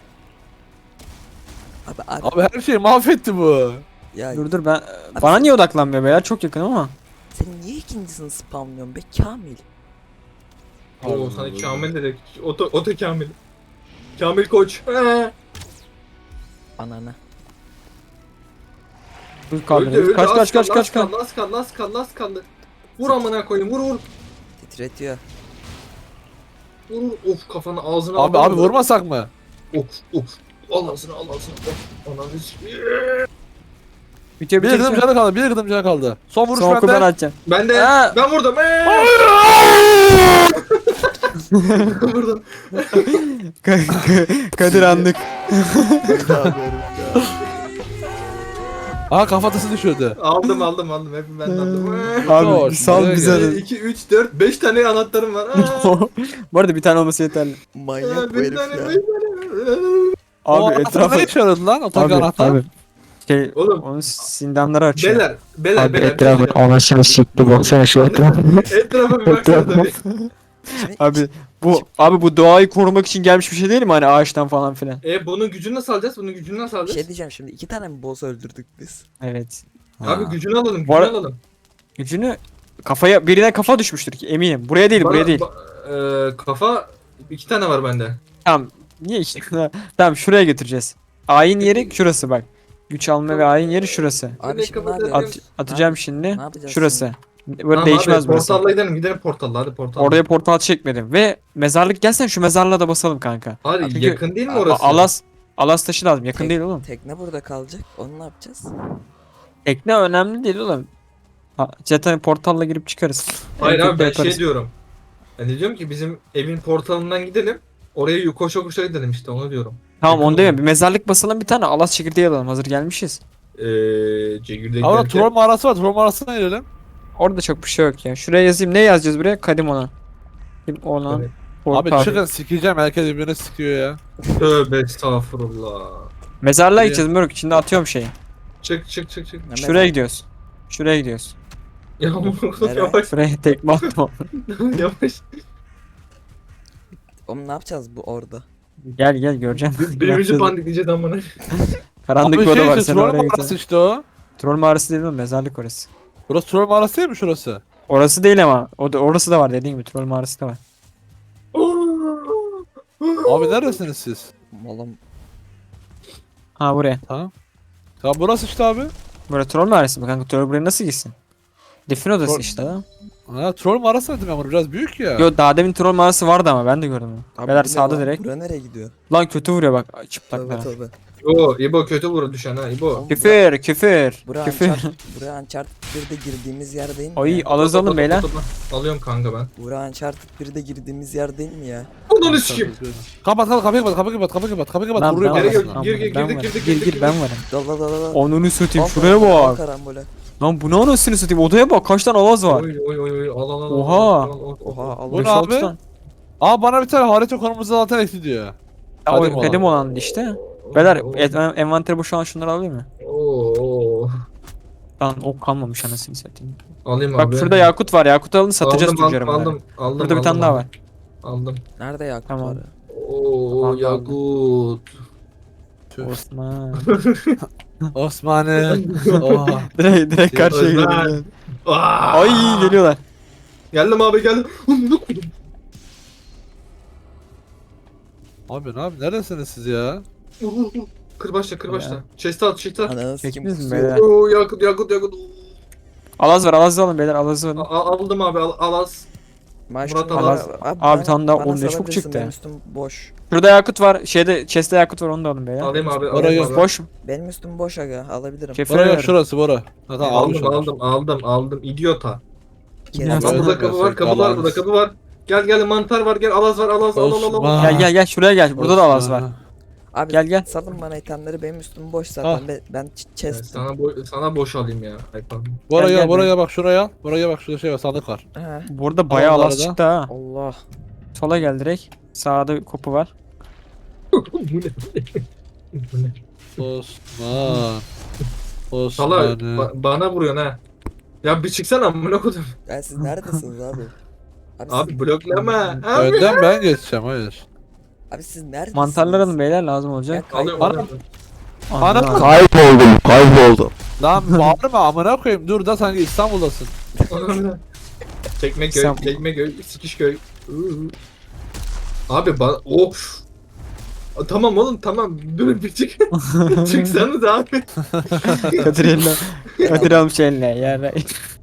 Speaker 4: Abi abi
Speaker 1: Abi her şeyi mahvetti bu.
Speaker 4: ya
Speaker 3: Dur dur ben bana niye odaklanmıyor beyler? Çok yakın ama.
Speaker 4: sen niye ikincisini spamlıyorsun be Kamil?
Speaker 2: Oo sana Kamil dedik. Oto, oto Kamil. Kamil koç. Ee.
Speaker 4: Ananı.
Speaker 3: Dur
Speaker 2: Öldü,
Speaker 3: kaldırıyoruz.
Speaker 2: öldü.
Speaker 3: Kaç
Speaker 2: Az
Speaker 3: kaç kaç
Speaker 2: kaldı,
Speaker 3: kaç
Speaker 2: az
Speaker 3: kaç.
Speaker 2: kaldı, az kaldı, az kaldı, az kaldı. Vur amına koyayım, vur vur.
Speaker 4: Titretiyor.
Speaker 2: Vur vur. Of kafana ağzına
Speaker 1: Abi
Speaker 2: aldım.
Speaker 1: abi vurmasak mı?
Speaker 2: Of of. Al ağzına al ağzına. Of. Ananı sikeyim.
Speaker 3: Bitiyor
Speaker 1: Bir
Speaker 3: bitiyor.
Speaker 1: gıdım
Speaker 3: bitiyor.
Speaker 1: canı kaldı, bir gıdım canı kaldı. Son vuruş
Speaker 3: Son oku ben
Speaker 1: bende.
Speaker 3: atacağım.
Speaker 2: Ben de
Speaker 3: Aa!
Speaker 2: ben vurdum. Ee! Vurdum.
Speaker 3: Kadir anlık.
Speaker 1: Aha kafatası düşürdü.
Speaker 2: Aldım aldım aldım. Hep ben de aldım. Ee!
Speaker 3: Abi
Speaker 1: Hoş,
Speaker 3: sal
Speaker 1: buraya
Speaker 3: bize.
Speaker 1: gel.
Speaker 3: de.
Speaker 2: iki, üç, dört, beş tane anahtarım var. Aa!
Speaker 3: Bu arada bir tane olması yeterli.
Speaker 4: Manyak bu
Speaker 2: beş
Speaker 4: herif
Speaker 2: tane,
Speaker 4: ya.
Speaker 2: beş tane.
Speaker 1: O
Speaker 3: Abi
Speaker 1: anahtar
Speaker 3: etrafı.
Speaker 1: ne işe yaradı lan? O tak
Speaker 3: Abi
Speaker 1: anahtar.
Speaker 3: abi. Şey
Speaker 2: Oğlum.
Speaker 3: onun sindanları açıyor.
Speaker 2: Beler, beler,
Speaker 3: Abi
Speaker 2: beler.
Speaker 3: etrafın
Speaker 2: beler.
Speaker 3: anasını sikti baksana şu etrafı.
Speaker 2: Etrafa bir baksana tabii.
Speaker 3: Abi bu abi bu doğayı korumak için gelmiş bir şey değil mi hani ağaçtan falan filan.
Speaker 2: E bunun gücünü nasıl alacağız? Bunun gücünü nasıl
Speaker 4: Bir
Speaker 2: alacağız?
Speaker 4: şey diyeceğim şimdi iki tane mi boss öldürdük biz?
Speaker 3: Evet.
Speaker 2: Abi
Speaker 4: Ha.
Speaker 2: gücünü alalım,
Speaker 3: Bu
Speaker 2: gücünü
Speaker 3: ara-
Speaker 2: alalım.
Speaker 3: Gücünü kafaya birine kafa düşmüştür ki eminim. Buraya değil, buraya
Speaker 2: Bana-
Speaker 3: değil.
Speaker 2: ba- e, kafa iki tane var bende.
Speaker 3: Tamam. Niye işte? Tamam şuraya götüreceğiz. Ayin yeri şurası bak. Güç alma ve ayin yeri şurası.
Speaker 4: Abi
Speaker 2: Direkt
Speaker 4: şimdi ne
Speaker 2: kapatacağız.
Speaker 4: yapıyoruz?
Speaker 3: At, atacağım
Speaker 4: Ne
Speaker 3: şimdi.
Speaker 4: yapacağız
Speaker 3: Şurası. Böyle
Speaker 2: Tamam
Speaker 3: değişmez
Speaker 2: abi,
Speaker 3: burası.
Speaker 2: portalla gidelim, gidelim portalla hadi portalla.
Speaker 3: Oraya portal çekmedim ve mezarlık gelsen şu mezarlığa da basalım kanka.
Speaker 2: Hadi
Speaker 3: Çünkü-
Speaker 2: yakın değil mi
Speaker 3: A-
Speaker 2: orası?
Speaker 3: Alas Alas taşı lazım. Yakın
Speaker 4: Tek-
Speaker 3: değil oğlum.
Speaker 4: Tekne burada kalacak. Onu ne yapacağız?
Speaker 3: Tekne önemli değil oğlum. Ha, zaten portalla girip çıkarız.
Speaker 2: Hayır
Speaker 3: En
Speaker 2: abi
Speaker 3: kötü
Speaker 2: ben
Speaker 3: yaparız.
Speaker 2: şey diyorum. Ben de diyorum ki bizim evin portalından gidelim. Oraya koşa koşa gidelim işte onu diyorum.
Speaker 3: Tamam
Speaker 2: yakın
Speaker 3: onu demiyorum.
Speaker 2: olur.
Speaker 3: Bir mezarlık basalım bir tane. Alas çekirdeği alalım. Hazır gelmişiz.
Speaker 2: Eee Cegir'de
Speaker 1: Ama
Speaker 2: giderken.
Speaker 1: troll mağarası var. Troll mağarasına girelim.
Speaker 3: Orada çok bir şey yok ya. Şuraya yazayım. Ne yazacağız buraya? Kadim olan. Kadim olan.
Speaker 2: Evet.
Speaker 1: Abi
Speaker 3: portal.
Speaker 1: çıkın sikeceğim. Herkes birbirine sikiyor ya.
Speaker 2: Tövbe estağfurullah.
Speaker 3: Mezarlığa
Speaker 1: İyi.
Speaker 3: gideceğiz Mörk. İçinde atıyorum şeyi.
Speaker 2: Çık çık çık çık.
Speaker 4: Ne
Speaker 3: Şuraya
Speaker 4: mezar-
Speaker 3: gidiyoruz. Şuraya gidiyoruz.
Speaker 2: Ya
Speaker 4: Nereye?
Speaker 2: yavaş
Speaker 3: Şuraya tekme attım.
Speaker 2: yavaş.
Speaker 4: Oğlum ne yapacağız bu orada?
Speaker 3: Gel gel göreceğim.
Speaker 2: Birbirimizi pandikleyeceğiz amına.
Speaker 3: Karanlık
Speaker 1: Abi
Speaker 3: bir oda
Speaker 1: şey
Speaker 3: var.
Speaker 1: işte
Speaker 3: Sen
Speaker 1: troll
Speaker 3: oraya
Speaker 1: mağarası
Speaker 3: gideceksin.
Speaker 1: işte o.
Speaker 3: Troll mağarası değil mi? Mezarlık orası.
Speaker 1: Burası troll mağarası değil mi şurası?
Speaker 3: Orası değil ama. O da, orası da var dediğin gibi. Troll mağarası da var.
Speaker 1: Abi neredesiniz siz?
Speaker 4: Oğlum
Speaker 3: Ha buraya.
Speaker 1: Tamam. Ya burası işte abi.
Speaker 3: Burası troll mağarası mı kanka? Troll buraya nasıl gitsin? Defin odası
Speaker 1: Troll-
Speaker 3: işte ha.
Speaker 1: Ha troll mağarası dedim ben bunu biraz büyük ya.
Speaker 3: Yo daha demin troll mağarası vardı ama ben de gördüm onu.
Speaker 4: abi
Speaker 3: Beyler
Speaker 4: bu ne
Speaker 3: sağda
Speaker 4: lan?
Speaker 3: direkt.
Speaker 4: Bura nereye gidiyor?
Speaker 3: Lan kötü vuruyor bak
Speaker 4: Tövbe
Speaker 3: çıplaklara.
Speaker 4: tövbe.
Speaker 2: İbo, İbo kötü vurur düşen ha İbo.
Speaker 4: Oğlum,
Speaker 3: Küfür küfür.
Speaker 4: Bura
Speaker 3: Küfür.
Speaker 4: Uncharted, bura Uncharted birde girdiğimiz yer değil mi
Speaker 3: Ay
Speaker 4: ya?
Speaker 3: alız alın beyler.
Speaker 2: Alıyorum kanka ben.
Speaker 4: Bura Uncharted birde girdiğimiz yer değil mi ya?
Speaker 2: Ondan sikeyim.
Speaker 1: Kapat kapat kapıyı kapat kapıyı kapat kapıyı kapat kapıyı kapat.
Speaker 3: Lan
Speaker 1: Vuruyor
Speaker 3: ben
Speaker 2: Geri
Speaker 1: bana.
Speaker 2: gir,
Speaker 3: varım.
Speaker 2: gir,
Speaker 3: Lan
Speaker 2: gir,
Speaker 3: ben
Speaker 2: girdik,
Speaker 3: varım.
Speaker 2: girdik,
Speaker 3: Gir
Speaker 2: girdik,
Speaker 3: gir ben varım.
Speaker 4: Dal dal dal dal.
Speaker 3: Onunu satayım
Speaker 4: Al
Speaker 3: şuraya
Speaker 4: karambole, al
Speaker 3: bak.
Speaker 4: karambole.
Speaker 3: Lan bu ne anasını satayım odaya bak kaç tane alaz var.
Speaker 2: Oy oy oy oy al al al.
Speaker 3: Oha.
Speaker 2: al, al, al, al.
Speaker 4: Oha al.
Speaker 1: Bu
Speaker 3: Beş
Speaker 1: ne
Speaker 3: altı
Speaker 1: abi?
Speaker 3: tane.
Speaker 1: Aa bana bir tane harita konumuzu zaten ekli diyor.
Speaker 3: Ya,
Speaker 1: Kadim
Speaker 3: o kadim olan işte. Beyler et- envanteri boşalan şunları alayım mı?
Speaker 2: Oo.
Speaker 3: Lan ok kalmamış anasını satayım.
Speaker 2: Alayım
Speaker 3: Bak
Speaker 2: abi.
Speaker 3: şurada yakut var yakut alın satacağız
Speaker 2: aldım,
Speaker 3: tüccara bunları.
Speaker 2: aldım, aldım,
Speaker 3: Burada bir
Speaker 2: aldım,
Speaker 3: tane daha
Speaker 2: aldım.
Speaker 3: var.
Speaker 2: Aldım.
Speaker 4: Nerede yakut
Speaker 3: Tamam.
Speaker 4: var?
Speaker 2: Oo
Speaker 3: Tamam,
Speaker 2: yakut.
Speaker 3: Osman.
Speaker 1: Osman'ı. Oha.
Speaker 3: direkt direkt karşıya
Speaker 2: Osman.
Speaker 3: gidelim.
Speaker 2: Aa!
Speaker 3: Ay geliyorlar.
Speaker 2: Geldim abi geldim. Amına koydum.
Speaker 1: Abi ne abi neredesiniz siz ya?
Speaker 2: Vur, vur, vur. Kır başla kır
Speaker 3: Ya.
Speaker 2: başla. Chest'e at chest'e at.
Speaker 4: Ananı sikim
Speaker 3: Çektiniz mi
Speaker 4: kusuyor.
Speaker 3: beyler?
Speaker 2: Oo yakut yakut yakut.
Speaker 3: Alaz var alaz alın beyler alaz
Speaker 2: A-
Speaker 3: alın.
Speaker 2: a- aldım abi al alaz.
Speaker 4: Maaş
Speaker 2: Murat
Speaker 4: bana-
Speaker 2: Alaz.
Speaker 4: Abi,
Speaker 3: Abi tamam da
Speaker 4: bana
Speaker 3: oğlum ne çok
Speaker 4: salabilirsin,
Speaker 3: çıktı.
Speaker 4: Benim üstüm boş.
Speaker 3: Şurada yakut var. Şeyde chest'te yakut var onu da alın beyler.
Speaker 2: Alayım abi
Speaker 1: Oraya
Speaker 2: alayım
Speaker 1: yok,
Speaker 2: abi.
Speaker 3: Boş mu?
Speaker 4: Benim üstüm boş aga alabilirim.
Speaker 3: Kefir
Speaker 1: Bora yok
Speaker 3: ver.
Speaker 1: şurası Bora. Ha, tamam almış
Speaker 2: Aldım
Speaker 1: onlar.
Speaker 2: aldım aldım aldım idiota.
Speaker 4: Kerem,
Speaker 3: Evet,
Speaker 2: Lan
Speaker 1: evet,
Speaker 2: burada kapı var
Speaker 1: evet,
Speaker 2: kapı var
Speaker 1: Alaz.
Speaker 2: burada kapı var. Gel gel mantar var gel alaz var alaz al al al al.
Speaker 1: Osman.
Speaker 3: Gel gel gel şuraya gel. Burada da alaz var.
Speaker 4: Abi
Speaker 3: Gel, gel.
Speaker 4: salın bana itemleri benim üstüm boş zaten.
Speaker 1: Ah.
Speaker 4: Ben, ben ç-
Speaker 2: Ben
Speaker 4: chest'im.
Speaker 2: Sana bo- sana boş alayım ya. Ay pardon.
Speaker 1: Bora
Speaker 3: Gel,
Speaker 1: gel,
Speaker 3: gel,
Speaker 1: Bora bak şuraya al. Buraya bak şurada şey var sandık var.
Speaker 4: Ha.
Speaker 3: Burada bayağı
Speaker 1: Al
Speaker 3: alaz
Speaker 1: arada.
Speaker 3: çıktı ha.
Speaker 4: Allah.
Speaker 3: Sola gel direkt. Sağda bir kopu var.
Speaker 2: Bu ne? Bu ne?
Speaker 1: Osman.
Speaker 2: Sala
Speaker 1: Osman'ı.
Speaker 2: ba- bana vuruyorsun ha. Ya bir çıksana amına koydum.
Speaker 4: Ya siz neredesiniz abi? Abi,
Speaker 2: Abi
Speaker 4: siz,
Speaker 2: bloklama. Abi.
Speaker 1: Önden ben geçeceğim hayır.
Speaker 4: abi siz neredesiniz?
Speaker 3: Mantarlar alın beyler lazım olacak.
Speaker 4: Ya
Speaker 2: Alıyorum
Speaker 1: Ana-
Speaker 2: alıyorum.
Speaker 1: Ana
Speaker 3: Anam.
Speaker 1: kayboldum kayboldum. Lan bağırma amına koyayım dur da sanki İstanbul'dasın.
Speaker 2: Çekmeköy,
Speaker 3: Sen-
Speaker 2: Çekmeköy, Sikişköy. Iı. Abi ba of. A, Tamam oğlum tamam. Dur bir çık. Çıksanız abi.
Speaker 3: Kadir eline. Kadir almış eline. Yani.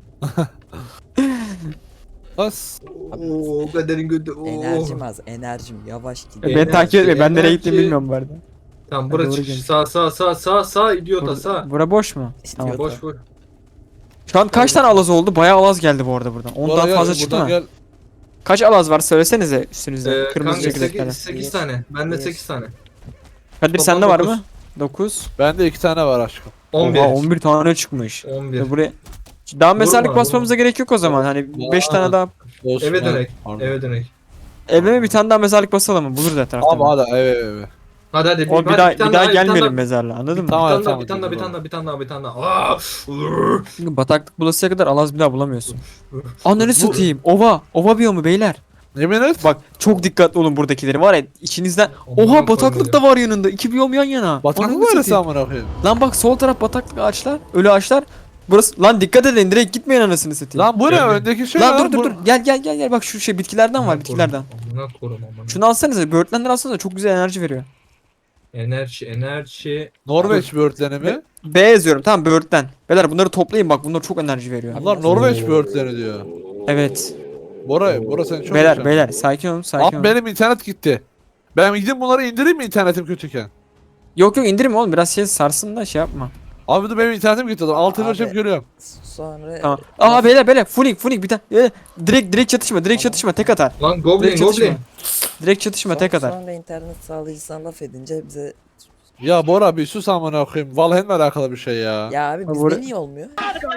Speaker 1: Bas.
Speaker 2: Oo kaderin götü. Oo.
Speaker 4: Enerjim az, enerjim yavaş gidiyor.
Speaker 3: Beni takip etme. Ben nereye
Speaker 2: enerji.
Speaker 3: gittiğimi bilmiyorum bu arada.
Speaker 2: Tamam
Speaker 3: Doğru
Speaker 2: burası çık.
Speaker 3: gelin.
Speaker 2: Sağ sağ sağ sağ sağ idiota
Speaker 3: Bura,
Speaker 2: sağ.
Speaker 3: bura boş mu?
Speaker 4: İstiyor.
Speaker 3: Tamam.
Speaker 2: Boş boş.
Speaker 3: Şu an kaç tane alaz oldu? Bayağı alaz geldi bu arada buradan. Ondan
Speaker 1: Bora gel,
Speaker 3: fazla çıktı
Speaker 1: buradan
Speaker 3: mı?
Speaker 1: Gel.
Speaker 3: Kaç alaz var söylesenize üstünüzde.
Speaker 2: Ee,
Speaker 3: Kırmızı
Speaker 2: kanka
Speaker 3: çekirdeklerden.
Speaker 2: sekiz tane. Bende
Speaker 4: Bir.
Speaker 2: sekiz tane.
Speaker 3: Kadir
Speaker 2: Toplam
Speaker 3: sende var
Speaker 2: dokuz.
Speaker 3: mı? dokuz.
Speaker 1: Bende iki tane var aşkım.
Speaker 2: on bir.
Speaker 3: Oha on bir tane çıkmış.
Speaker 2: on bir.
Speaker 3: Ve buraya daha mezarlık
Speaker 2: Vurma,
Speaker 3: basmamıza gerek yok o zaman. Hani beş
Speaker 1: Aa.
Speaker 3: tane daha.
Speaker 1: Osman.
Speaker 2: Eve dönek.
Speaker 1: Pardon.
Speaker 2: Eve dönek.
Speaker 3: Evime bir tane daha mezarlık basalım mı? Buluruz etrafta.
Speaker 1: Abi hadi eve eve eve.
Speaker 2: Hadi hadi.
Speaker 3: O bir
Speaker 2: hadi,
Speaker 3: daha bir
Speaker 2: tane
Speaker 3: daha
Speaker 2: bir tane
Speaker 3: gelmeyelim mezarlığa anladın mı?
Speaker 1: Tamam.
Speaker 2: Bir tane daha,
Speaker 1: tamam,
Speaker 2: bir tane daha, bir
Speaker 1: tamam.
Speaker 2: tane daha, bir tane daha, bir tane daha. Aa! Iıı!
Speaker 3: Çünkü bataklık bulasıya kadar alaz bir daha bulamıyorsun. Ananı satayım. Ova. Ova biyomu beyler.
Speaker 1: Yemin et.
Speaker 3: Bak çok dikkatli olun buradakileri var ya içinizden.
Speaker 2: Aman
Speaker 3: Oha bataklık
Speaker 2: koyayım
Speaker 3: da var yanında. İki biyom yan yana.
Speaker 1: Bataklık
Speaker 3: Ananı
Speaker 1: mı öyle
Speaker 3: satayım.
Speaker 1: amına koyayım?
Speaker 3: Lan bak sol taraf bataklık ağaçlar. Ölü ağaçlar. Burası lan dikkat edin direkt gitmeyin anasını satayım.
Speaker 1: Lan bu ne
Speaker 2: Gel, gel.
Speaker 1: öndeki şey
Speaker 3: Lan
Speaker 1: lan,
Speaker 3: dur dur
Speaker 1: bu-
Speaker 3: dur. Gel gel gel gel. Bak şu şey bitkilerden var
Speaker 2: Amına
Speaker 3: bitkilerden.
Speaker 2: korum, Amına korum amına.
Speaker 3: Şunu alsanıza. Böğürtlenleri alsanıza çok güzel enerji veriyor.
Speaker 2: Enerji enerji.
Speaker 1: Norveç böğürtleni mi?
Speaker 3: B yazıyorum tamam böğürtlen. Beyler bunları toplayın bak bunlar çok enerji veriyor.
Speaker 1: Bunlar Norveç böğürtleni diyor.
Speaker 3: Evet.
Speaker 1: Bora, Bora sen çok
Speaker 3: Beyler
Speaker 1: yaşamışsın.
Speaker 3: beyler sakin olun sakin
Speaker 1: Abi
Speaker 3: olun.
Speaker 1: benim internet gitti. Ben gidip bunları indireyim mi internetim kötüyken?
Speaker 3: Yok yok indirme oğlum biraz şey sarsın da şey yapma.
Speaker 1: Abi dur benim internetim gitti. Altı
Speaker 4: Abi.
Speaker 1: ölçüp görüyorum.
Speaker 4: Sonra
Speaker 3: Tamam. Aha beyler beyler fullink fullink bir tane. Ee, direkt direkt çatışma direkt çatışma tek atar.
Speaker 2: Lan goblin
Speaker 3: Direkt çatışma.
Speaker 2: goblin.
Speaker 3: Direkt çatışma
Speaker 4: Son-
Speaker 3: tek atar.
Speaker 4: Sonra internet sağlayıcısına laf edince bize
Speaker 1: Ya Bora bir sus amına koyayım. Valheim'le alakalı bir şey ya.
Speaker 4: ya abi
Speaker 3: Ha,
Speaker 4: bizde
Speaker 3: buraya-
Speaker 4: niye olmuyor?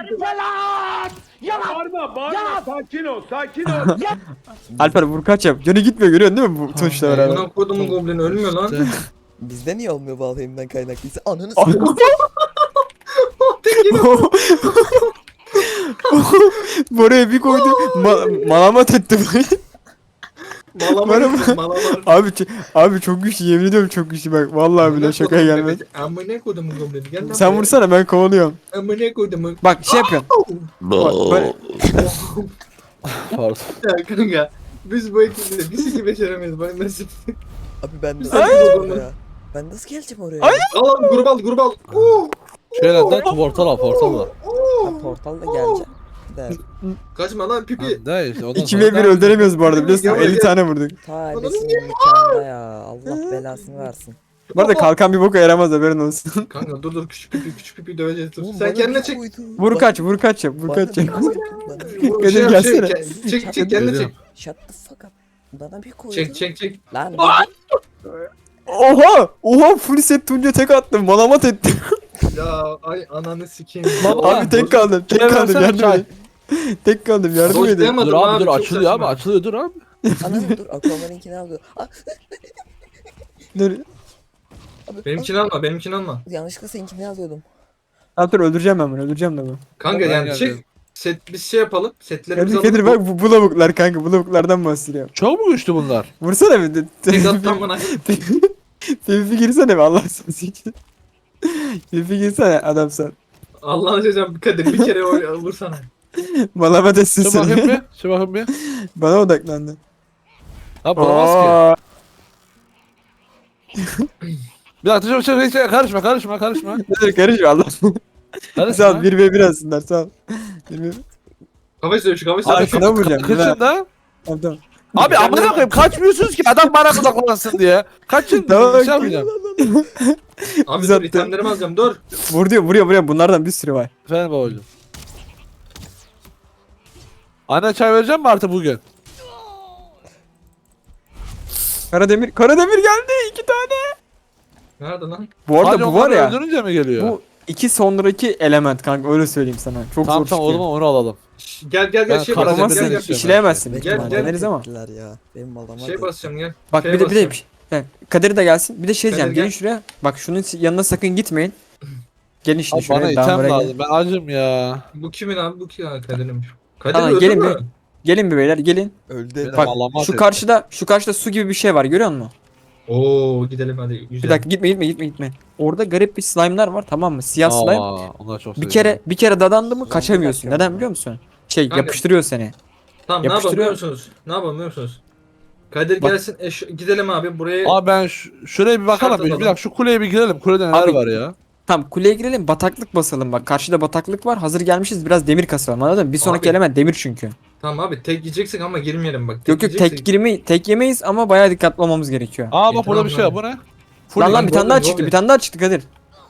Speaker 5: Bağırma bağırma sakin ol sakin ol.
Speaker 3: Alper vur kaç yap. Canı gitmiyor görüyorsun değil mi bu tuşla beraber?
Speaker 2: Buna kodumun goblini ölmüyor lan.
Speaker 1: İşte.
Speaker 4: Bizde niye olmuyor Valheim'den kaynaklıysa? Ananı
Speaker 3: Ay.
Speaker 4: s***.
Speaker 3: Buraya bir koydu. Ma malamat etti burayı.
Speaker 2: Malamar
Speaker 3: Bana-
Speaker 2: malamar.
Speaker 3: Abi ç- abi çok güçlü yemin ediyorum çok güçlü bak. Vallahi bile şakaya gelmez.
Speaker 2: Amına kodumun goblini gel lan.
Speaker 3: Sen
Speaker 2: buraya.
Speaker 3: vursana ben kovalıyorum.
Speaker 2: Amına kodumun.
Speaker 3: Bak şey yapıyorum. Bak, böyle-
Speaker 1: Pardon.
Speaker 2: Ya kanka. Biz bu ekiple bir siki beşeremeyiz. Bana nasıl?
Speaker 4: Abi ben
Speaker 2: Ay.
Speaker 4: nasıl oraya? Ben nasıl geleceğim oraya?
Speaker 3: Ay.
Speaker 2: Al al grup al grup al. Oo.
Speaker 1: Şöyle de portal al portal al.
Speaker 4: Ha, portalla geleceğim. De.
Speaker 2: Kaçma lan pipi.
Speaker 1: Ne işte ondan
Speaker 3: İki
Speaker 1: sonra
Speaker 3: ve bir öldüremiyoruz bu arada biliyorsun.
Speaker 2: Gel, gel.
Speaker 3: elli tane vurduk.
Speaker 4: Ta ebesinin nikahında ya. Allah belasını versin.
Speaker 3: Bu arada kalkan bir boka yaramaz haberin olsun.
Speaker 2: Kanka dur dur küçük pipi küçük pipi döveceğiz dur.
Speaker 4: Oğlum
Speaker 2: Sen
Speaker 4: bana
Speaker 2: kendine
Speaker 4: bir
Speaker 2: çek.
Speaker 4: koydu.
Speaker 3: Vur
Speaker 4: Bana-
Speaker 3: kaç vur kaç yap vur
Speaker 4: bana
Speaker 3: kaç
Speaker 4: bir
Speaker 3: yap.
Speaker 4: koydu, bana bir-
Speaker 2: Vur,
Speaker 3: Kadir
Speaker 2: şey yap,
Speaker 3: gelsene.
Speaker 2: şey, ke- Çek çek kendine çek.
Speaker 1: Geliyorum.
Speaker 4: Shut the fuck up. Bana bir koydu.
Speaker 2: Çek çek çek.
Speaker 4: Lan
Speaker 3: Oha! Oha full set Tunca tek attım. Malamat ettim.
Speaker 2: Ya ay ananı sikeyim.
Speaker 1: Baba,
Speaker 3: Abi tek kaldım. Tek
Speaker 1: Çay
Speaker 3: kaldım
Speaker 1: versene,
Speaker 3: yardım
Speaker 1: çay.
Speaker 3: edin. Tek kaldım yardım
Speaker 2: Boş
Speaker 3: edin.
Speaker 2: diyemem.
Speaker 1: Dur
Speaker 2: Anladım
Speaker 1: abi dur
Speaker 2: abi, çok
Speaker 1: açılıyor abi
Speaker 2: saçma.
Speaker 1: açılıyor dur abi.
Speaker 4: ananı dur. Aquaman'inkini aldı. Ah,
Speaker 3: Dur.
Speaker 4: abi,
Speaker 2: Benimkini alma benimkini alma.
Speaker 4: ah, yanlışlıkla seninkini alıyordum.
Speaker 3: Abi dur öldüreceğim ben bunu öldüreceğim de bunu.
Speaker 2: Kanka
Speaker 1: Ben
Speaker 2: yani
Speaker 1: geldim.
Speaker 2: çek. Set biz şey yapalım. Setlerimizi
Speaker 3: Kadir, Kadir bak bu, bu lavuklar kanka bu lavuklardan bahsediyorum.
Speaker 1: Çok mu güçlü bunlar?
Speaker 3: Vursana bir de.
Speaker 2: Tek attan bana.
Speaker 3: Tevfi girsene be Allah seni için. Tevfi girsene adam sen.
Speaker 2: Allah'ını seversen Kadir bir kere o vursana.
Speaker 3: Malamat etsin
Speaker 1: Şu bakayım
Speaker 3: seni.
Speaker 1: bir. Şu bakayım bir.
Speaker 3: Bana odaklandı.
Speaker 1: Ha bulamaz ki.
Speaker 3: Aa,
Speaker 1: Bir dakika dur, dur, dur, karışma karışma karışma.
Speaker 3: dur karışma Allah. Sağ ol
Speaker 1: Karışma.
Speaker 3: bir ve bir alsınlar sağ ol. bir ve
Speaker 2: Kafayı dövüşü kafayı
Speaker 3: Abi
Speaker 2: dövüşü.
Speaker 3: şuna vuracağım.
Speaker 1: Kaçın da.
Speaker 3: Tamam tamam.
Speaker 1: Abi amına koyayım kaçmıyorsunuz ki adam bana odaklansın diye. Kaçın.
Speaker 3: Tamam,
Speaker 1: Bir şey yapmayacağım.
Speaker 2: Abi
Speaker 3: Biz
Speaker 2: dur
Speaker 3: attı.
Speaker 2: itemlerimi alacağım dur.
Speaker 3: Vuruyor vuruyor vuruyor bunlardan bir sürü var.
Speaker 1: Efendim babacım. Anne çay vereceğim mi artık bugün?
Speaker 3: Karademir Karademir geldi iki tane.
Speaker 2: Nerede lan?
Speaker 3: Bu arada
Speaker 1: Sadece
Speaker 3: bu var
Speaker 1: onları
Speaker 3: ya.
Speaker 1: öldürünce mi geliyor?
Speaker 3: Bu iki sonraki element kanka öyle söyleyeyim sana. Çok
Speaker 1: tamam
Speaker 3: zor
Speaker 1: tamam o
Speaker 3: çıkıyor.
Speaker 1: zaman onu alalım.
Speaker 2: Şş, Gel gel gel
Speaker 1: Ben
Speaker 2: şey
Speaker 1: karamaz
Speaker 2: basacağım
Speaker 3: Karamazsın
Speaker 2: gel gel.
Speaker 1: istiyorum.
Speaker 3: işleyemezsin büyük
Speaker 2: Gel,
Speaker 3: ihtimalle
Speaker 2: gel.
Speaker 3: deneriz ama.
Speaker 4: Ettiler ya. Benim malama
Speaker 2: Şey basacağım gel.
Speaker 3: Bak
Speaker 2: Şeye
Speaker 3: bir de bir de
Speaker 2: basacağım.
Speaker 3: bir şey. Kadir de gelsin. Bir de şey
Speaker 2: Kadir
Speaker 3: diyeceğim. Gelin
Speaker 2: gel.
Speaker 3: şuraya. Bak şunun yanına sakın gitmeyin. Gelin şimdi
Speaker 1: Abi bana
Speaker 3: şuraya.
Speaker 1: item
Speaker 3: Daha buraya gelin.
Speaker 1: lazım. Ben acım ya.
Speaker 2: Bu kimin abi bu kim abi Kadir'in. Kadir
Speaker 3: Tamam,
Speaker 2: öldü
Speaker 3: gelin
Speaker 2: mü?
Speaker 3: bir- Gelin bir beyler gelin.
Speaker 4: Öldü.
Speaker 3: Bak
Speaker 1: Malamat
Speaker 3: şu
Speaker 1: et.
Speaker 3: karşıda şu karşıda su gibi bir şey var görüyor musun?
Speaker 2: Oo gidelim hadi. Güzel.
Speaker 3: Bir dakika gitme gitme gitme gitme. Orada garip bir slime'lar var tamam mı? Siyah slime.
Speaker 1: Aa, onlar çok
Speaker 3: Bir
Speaker 1: seviyorum.
Speaker 3: kere bir kere dadandı mı
Speaker 4: Zombi
Speaker 3: kaçamıyorsun.
Speaker 4: bakıyorum
Speaker 3: Neden
Speaker 4: ya.
Speaker 3: biliyor musun? Şey
Speaker 2: Kanka-
Speaker 3: yapıştırıyor seni.
Speaker 2: Tamam ne yapalım
Speaker 3: yapıştırıyor.
Speaker 2: biliyor musunuz? Ne yapalım biliyor musunuz? Kadir
Speaker 3: Bak-
Speaker 2: gelsin eş, gidelim abi buraya.
Speaker 1: Abi ben şu, şuraya bir bakalım.
Speaker 2: Şart
Speaker 1: Bir, bir
Speaker 2: alalım.
Speaker 1: dakika şu kuleye bir girelim. Kulede neler
Speaker 3: Abi-
Speaker 1: var ya?
Speaker 3: Tamam kuleye girelim bataklık basalım bak. Karşıda bataklık var. Hazır gelmişiz biraz demir kasalım anladın mı? Bir sonraki
Speaker 2: Abi-
Speaker 3: element demir çünkü.
Speaker 2: Tamam abi tek yiyeceksek ama girmeyelim bak.
Speaker 3: Yok yok
Speaker 2: yiyeceksek-
Speaker 3: tek girmeyi tek yemeyiz ama bayağı dikkatli olmamız gerekiyor.
Speaker 1: Aa
Speaker 2: İyi,
Speaker 1: bak burada
Speaker 2: tamam
Speaker 1: bir şey var.
Speaker 2: lan.
Speaker 1: Bu ne?
Speaker 3: Lan lan
Speaker 2: Full
Speaker 3: bir tane daha
Speaker 2: goblin,
Speaker 3: çıktı.
Speaker 2: goblin.
Speaker 3: Bir tane daha çıktı Kadir.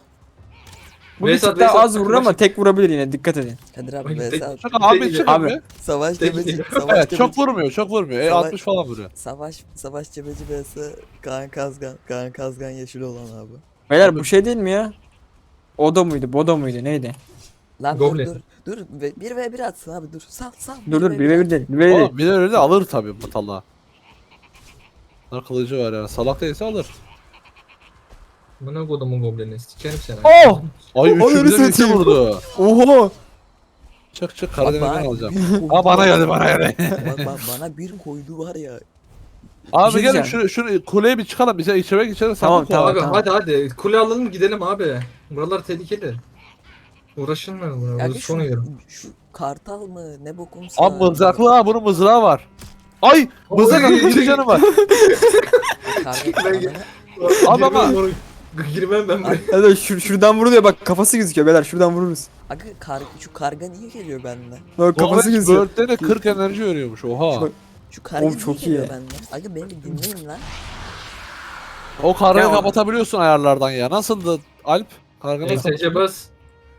Speaker 3: Bu bir
Speaker 2: Veysel,
Speaker 3: tık daha
Speaker 2: Veysel,
Speaker 3: az vurur ama
Speaker 2: Veysel.
Speaker 3: tek vurabilir yine dikkat edin.
Speaker 4: Kadir abi
Speaker 2: Ay,
Speaker 4: vs
Speaker 2: tek-
Speaker 4: at.
Speaker 1: Çık abi
Speaker 2: Tek-
Speaker 1: çık
Speaker 3: Abi.
Speaker 1: abi.
Speaker 4: Savaş
Speaker 2: Tek-
Speaker 4: cebeci.
Speaker 2: tek-
Speaker 4: Savaş
Speaker 1: Evet çok
Speaker 4: cebeci.
Speaker 1: vurmuyor çok vurmuyor. E
Speaker 4: Savaş-
Speaker 1: altmış falan vuruyor.
Speaker 4: Savaş savaş cebeci vs Kaan Kazgan. Kaan Kazgan yeşil olan abi.
Speaker 3: Beyler
Speaker 2: Abi-
Speaker 3: bu şey değil mi ya? Odo muydu? Bodo muydu? Neydi?
Speaker 4: Lan
Speaker 2: Goblin.
Speaker 4: dur dur. Dur ve- bir ve bir atsın abi dur. Sal sal.
Speaker 3: Dur dur
Speaker 4: ve
Speaker 3: bir ve bir değil. Bir ve bir değil.
Speaker 1: Oğlum bir de öyle de alır tabii bu talla. Bunlar kılıcı var yani. Salak değilse alır.
Speaker 2: Bu ne kodumun goblini sikerim seni.
Speaker 3: Oh!
Speaker 1: Ay
Speaker 3: Ay,
Speaker 1: üçü bize
Speaker 3: öyle
Speaker 1: birlikte
Speaker 3: satayım.
Speaker 1: vurdu.
Speaker 3: Oho!
Speaker 1: Çık çık
Speaker 4: Bak,
Speaker 1: Karadeniz'den
Speaker 4: bana-
Speaker 1: alacağım.
Speaker 4: bir
Speaker 1: Aa bana
Speaker 4: koydu.
Speaker 1: geldi bana geldi.
Speaker 4: Bak bak bana bir koydu var ya.
Speaker 1: Abi
Speaker 3: şey
Speaker 1: gelin
Speaker 3: diyeceğim.
Speaker 1: şunu, şunu kuleye bir çıkalım. Bize içeri geçelim.
Speaker 3: Tamam,
Speaker 1: sandık
Speaker 3: tamam.
Speaker 1: var.
Speaker 2: Abi
Speaker 3: tamam.
Speaker 2: hadi hadi kule alalım gidelim abi. Buralar tehlikeli. Uğraşılmıyor buna.
Speaker 4: Ya
Speaker 2: Bunu
Speaker 4: şu,
Speaker 2: son yiyorum.
Speaker 4: şu kartal mı ne bokumsa.
Speaker 1: Abi mızraklı ha bunun mızrağı var. Ay mızrak
Speaker 2: Oy.
Speaker 1: atıyor yedi canı var.
Speaker 4: Karga
Speaker 2: Ben-
Speaker 4: ananı-
Speaker 1: Abi ama-
Speaker 2: Girmem, girmem ben buraya.
Speaker 3: Hadi şur şuradan vuruluyor bak kafası gözüküyor beyler şuradan vururuz.
Speaker 4: Aga karga şu karga niye geliyor benden?
Speaker 3: Bak kafası
Speaker 1: Kafası
Speaker 3: gözüküyor.
Speaker 1: Börtlerine kırk enerji veriyormuş oha.
Speaker 3: Bak-
Speaker 4: Şu karga
Speaker 3: Oğlum
Speaker 4: niye
Speaker 3: çok iyi
Speaker 4: geliyor
Speaker 3: ya.
Speaker 4: benden? Aga beni bir dinleyin lan.
Speaker 1: O kargayı
Speaker 3: Ya-
Speaker 1: kapatabiliyorsun ayarlardan ya. Nasıldı Alp? Karga nasıl?
Speaker 2: E S C bas.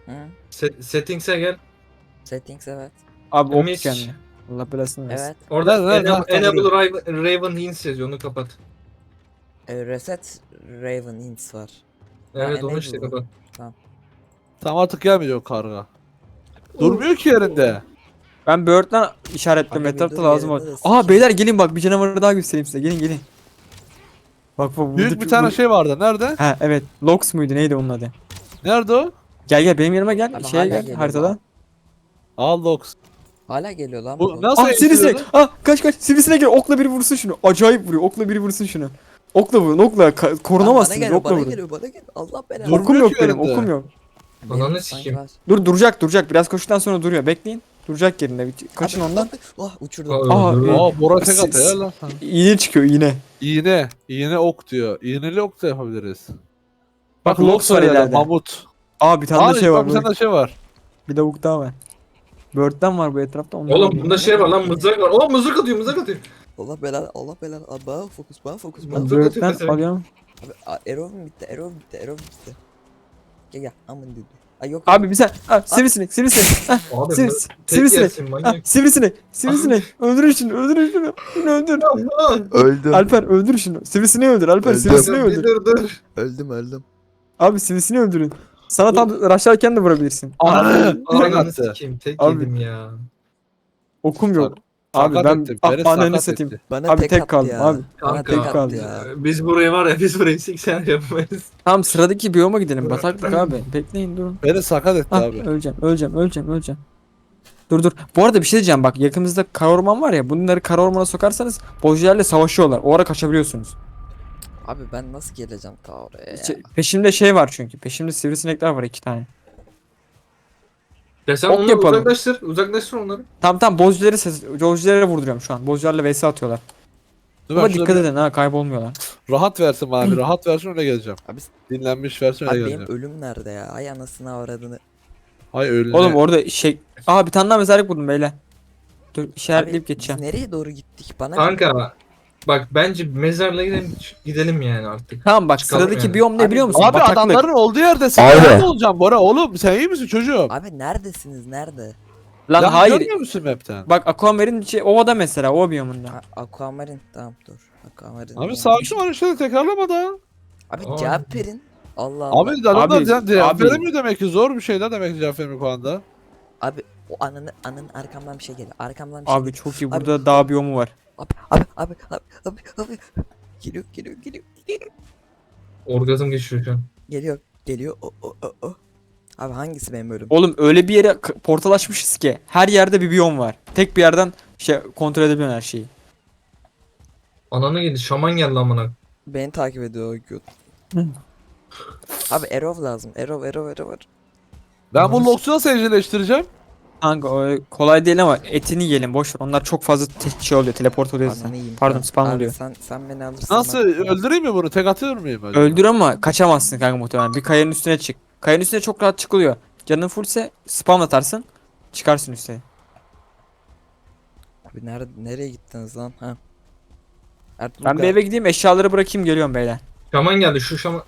Speaker 4: Hı?
Speaker 2: Set, settings'e gel.
Speaker 4: Settings evet.
Speaker 3: Abi ok
Speaker 2: Mis.
Speaker 3: kendine. Allah belasını versin.
Speaker 4: Evet.
Speaker 2: Orada
Speaker 1: Nerede, nerede?
Speaker 2: Enable,
Speaker 1: Nerede?
Speaker 2: Enable Raven, Raven Hints yazıyor, onu kapat.
Speaker 4: E, reset Raven Hints var. Ha,
Speaker 2: Evet onu
Speaker 4: enable
Speaker 2: işte
Speaker 4: bu.
Speaker 2: kapat.
Speaker 1: Tam artık gelmiyor o karga. Durmuyor ki yerinde.
Speaker 3: Ben Bird'den işaretledim.
Speaker 4: Abi bir
Speaker 3: Etrafta
Speaker 4: dur,
Speaker 3: lazım
Speaker 4: yerinde
Speaker 3: var.
Speaker 4: de
Speaker 3: Aha
Speaker 4: sikeyim.
Speaker 3: beyler gelin bak bir canavarı daha göstereyim size. Gelin gelin. Bak bak.
Speaker 1: Büyük
Speaker 3: burada-
Speaker 1: bir tane
Speaker 3: bu-
Speaker 1: şey vardı. Nerede?
Speaker 3: Ha evet. Lox muydu neydi onun adı?
Speaker 1: Nerede o?
Speaker 3: Gel gel benim yanıma gel.
Speaker 4: Abi
Speaker 3: Şeye
Speaker 4: hala
Speaker 3: gel
Speaker 4: geliyor
Speaker 3: haritada.
Speaker 4: lan.
Speaker 1: Al Lox.
Speaker 4: Hala geliyor lan
Speaker 1: Bu
Speaker 4: bu.
Speaker 1: nasıl
Speaker 3: Ah sivrisinek.
Speaker 1: eğitiliyordu?
Speaker 3: Ah kaç kaç. Sivrisinek gel. Okla biri vursun şunu. Acayip vuruyor. Okla biri vursun şunu. Okla vurun okla. Ka-
Speaker 4: Lan bana
Speaker 3: korunamazsınız.
Speaker 4: geliyor,
Speaker 3: Okla
Speaker 4: bana
Speaker 3: vurun.
Speaker 4: geliyor, bana geliyor. Allah belanı.
Speaker 1: Dur.
Speaker 3: Okum
Speaker 1: Durmuyor
Speaker 3: yok
Speaker 1: ki
Speaker 3: benim.
Speaker 1: yerinde.
Speaker 3: Okum yok.
Speaker 4: Benim
Speaker 2: Ananı
Speaker 4: sanki
Speaker 2: sikeyim.
Speaker 4: var.
Speaker 3: Dur duracak duracak. Biraz koştuktan sonra duruyor. Bekleyin. Duracak yerinde. Bir- Kaçın
Speaker 4: Abi,
Speaker 3: ondan.
Speaker 4: abi, Oh uçurdum.
Speaker 2: Aa,
Speaker 3: Aa,
Speaker 2: dur.
Speaker 3: e-
Speaker 1: Aa Bora tek
Speaker 3: Siz-
Speaker 1: atıyor lan.
Speaker 3: İğne çıkıyor iğne.
Speaker 1: İğne. İğne ok diyor. İğneli ok da yapabiliriz. Bak
Speaker 3: Lox
Speaker 1: Lox
Speaker 3: var
Speaker 1: var ileride.
Speaker 3: ileride.
Speaker 1: Mamut.
Speaker 3: Aa bir tane
Speaker 1: Aa,
Speaker 3: de şey var.
Speaker 1: bak bir tane de şey var.
Speaker 3: Bir lavuk daha var. Bird'den var bu etrafta. Ondan
Speaker 2: Oğlum
Speaker 3: alayım.
Speaker 2: bunda şey var lan, mızrak var. Oo mızrak atıyor, mızrak atıyor.
Speaker 4: Allah belanı, Allah belanı. Abi bana fokus, bana fokus, bana
Speaker 3: Ben
Speaker 2: Mızrak atıyor
Speaker 3: Bird'den
Speaker 2: mesela.
Speaker 3: alıyorum.
Speaker 4: Abi a- Erov bitti, Erov bitti, Erov bitti. Gel gel, aman dedi. Ay yok.
Speaker 3: Abi bir sen. Ah, sivrisinek sivrisinek. Ah,
Speaker 2: Abi
Speaker 3: Sivri-
Speaker 2: bu tek
Speaker 3: sivrisinek.
Speaker 2: yersin
Speaker 3: Ah,
Speaker 2: manyak.
Speaker 3: sivrisinek. Sivrisinek. Öldürün şunu. Öldürün şunu. Şunu öldür.
Speaker 6: Öldüm.
Speaker 3: Alper öldür şunu. Sivrisineği öldür. Alper
Speaker 6: Öldüm.
Speaker 3: sivrisineği
Speaker 2: Bir
Speaker 3: öldür.
Speaker 2: dur dur.
Speaker 6: Öldüm öldüm.
Speaker 3: Abi sivrisineği öldürün. Sana tam rushlarken de vurabilirsin.
Speaker 1: Ananı. Tek
Speaker 2: Ananı
Speaker 1: attı.
Speaker 2: sikeyim, tek
Speaker 3: Abi.
Speaker 2: yedim ya.
Speaker 3: Okum yok. Abi
Speaker 1: Sakat
Speaker 3: ben
Speaker 1: etti,
Speaker 3: ah
Speaker 1: beni
Speaker 3: ananı
Speaker 1: sakat
Speaker 3: satayım.
Speaker 1: etti.
Speaker 4: Bana
Speaker 3: Abi
Speaker 4: tek,
Speaker 3: tek
Speaker 4: attı
Speaker 3: kaldım
Speaker 4: ya.
Speaker 3: abi.
Speaker 4: Bana
Speaker 2: Kanka,
Speaker 4: tek attı
Speaker 3: kaldı.
Speaker 4: ya.
Speaker 2: Biz buraya var ya, biz burayı seksen yapamayız.
Speaker 3: Tamam sıradaki biyoma gidelim. Bataklık abi. Bekleyin durun.
Speaker 1: Beni sakat etti
Speaker 3: Ah,
Speaker 1: abi.
Speaker 3: öleceğim, öleceğim, öleceğim, öleceğim. Dur dur. Bu arada bir şey diyeceğim bak. Yakınımızda kara orman var ya. Bunları kara ormana sokarsanız bozcularla savaşıyorlar. O ara kaçabiliyorsunuz.
Speaker 4: Abi ben nasıl geleceğim ta oraya ya?
Speaker 3: Şey- peşimde şey var çünkü. Peşimde sivrisinekler var iki tane.
Speaker 2: Ya sen
Speaker 3: Ok
Speaker 2: onları
Speaker 3: yapalım.
Speaker 2: uzaklaştır, uzaklaştır onları.
Speaker 3: Tamam tamam bozcuları ses, bozculara vurduruyorum şu an. Bozcularla vs atıyorlar.
Speaker 1: Dur ben
Speaker 3: Ama
Speaker 1: şurada
Speaker 3: dikkat
Speaker 1: bir
Speaker 3: edin ha kaybolmuyorlar.
Speaker 1: rahat versin bana bir rahat versin öyle geleceğim.
Speaker 4: Abi,
Speaker 1: Dinlenmiş versin öyle
Speaker 4: abi benim
Speaker 1: geleceğim.
Speaker 4: ölüm nerede ya? Ay anasını avradını.
Speaker 1: Hay öyle.
Speaker 3: Oğlum orada şey... Aa bir tane daha mezarlık buldum beyler. Dur işaretleyip
Speaker 4: Abi,
Speaker 3: geçeceğim.
Speaker 4: Biz nereye doğru gittik? Bana
Speaker 2: Kanka bak bence mezarlığa gidelim, gidelim yani artık.
Speaker 3: Tamam bak
Speaker 2: Çıkalım
Speaker 3: sıradaki
Speaker 2: yani.
Speaker 3: biyom ne
Speaker 4: Abi-
Speaker 3: biliyor musun?
Speaker 1: Abi
Speaker 3: Bataklık.
Speaker 1: adamların olduğu yerdesin.
Speaker 6: Abi.
Speaker 1: Nerede olacağım Bora? Oğlum sen iyi misin çocuğum?
Speaker 4: Abi neredesiniz? Nerede?
Speaker 3: Lan
Speaker 1: Ya
Speaker 3: hayır.
Speaker 1: Görmüyor musun map'ten?
Speaker 3: Bak Aquamarine şey, ovada mesela o biyomunda.
Speaker 4: Ha, Aquamarine. Tamam dur. Aquamarine.
Speaker 1: Abi
Speaker 4: ya.
Speaker 1: sakin ol işte tekrarlama da.
Speaker 4: Abi
Speaker 2: Aa.
Speaker 4: cevap verin. Allah Allah.
Speaker 1: Abi adamlar
Speaker 3: Abi,
Speaker 1: cevap cevap
Speaker 3: abi.
Speaker 1: veremiyor demek ki zor bir şey de demek ki cevap veremiyor o anda.
Speaker 4: Abi o ananı anın arkamdan bir şey geliyor. Arkamdan bir şey
Speaker 3: Abi
Speaker 4: geliyor.
Speaker 3: çok iyi
Speaker 4: Abi-
Speaker 3: burada dağ biyomu var.
Speaker 4: Abi abi abi abi abi abi. Geliyor geliyor geliyor geliyor.
Speaker 2: Orgazm geçiriyor şu an.
Speaker 4: Geliyor geliyor. O o o o. Abi hangisi benim ölüm?
Speaker 3: Oğlum öyle bir yere k- portal açmışız ki her yerde bir biyom var. Tek bir yerden şey kontrol edebiliyorsun her şeyi.
Speaker 2: Ananı yedi, şaman geldi amına.
Speaker 4: Beni takip ediyor o göt.
Speaker 3: Hı.
Speaker 4: Abi Erov lazım. Erov Erov Erov.
Speaker 1: Ben bu Lox'u nasıl evcilleştireceğim?
Speaker 3: Kanka o kolay değil ama etini yiyelim boş ver. Onlar çok fazla te- şey oluyor teleport oluyor
Speaker 4: Ananı
Speaker 3: sen.
Speaker 4: yiyeyim.
Speaker 3: Pardon
Speaker 4: Tamam.
Speaker 3: spam
Speaker 4: Abi
Speaker 3: oluyor.
Speaker 4: Sen sen beni alırsın.
Speaker 1: Nasıl
Speaker 4: bak.
Speaker 1: öldüreyim mi bunu? Tek atıyor muyum? acaba?
Speaker 3: Öldür ama kaçamazsın kanka muhtemelen. Bir kayanın üstüne çık. Kayanın üstüne çok rahat çıkılıyor. Canın fullse spam atarsın. Çıkarsın üstüne.
Speaker 4: Abi nerede nereye gittiniz lan? Ha. Ertuğrul
Speaker 3: Ben bir
Speaker 4: Ga-
Speaker 3: eve gideyim eşyaları bırakayım geliyorum beyler.
Speaker 2: Şaman geldi, şu şaman.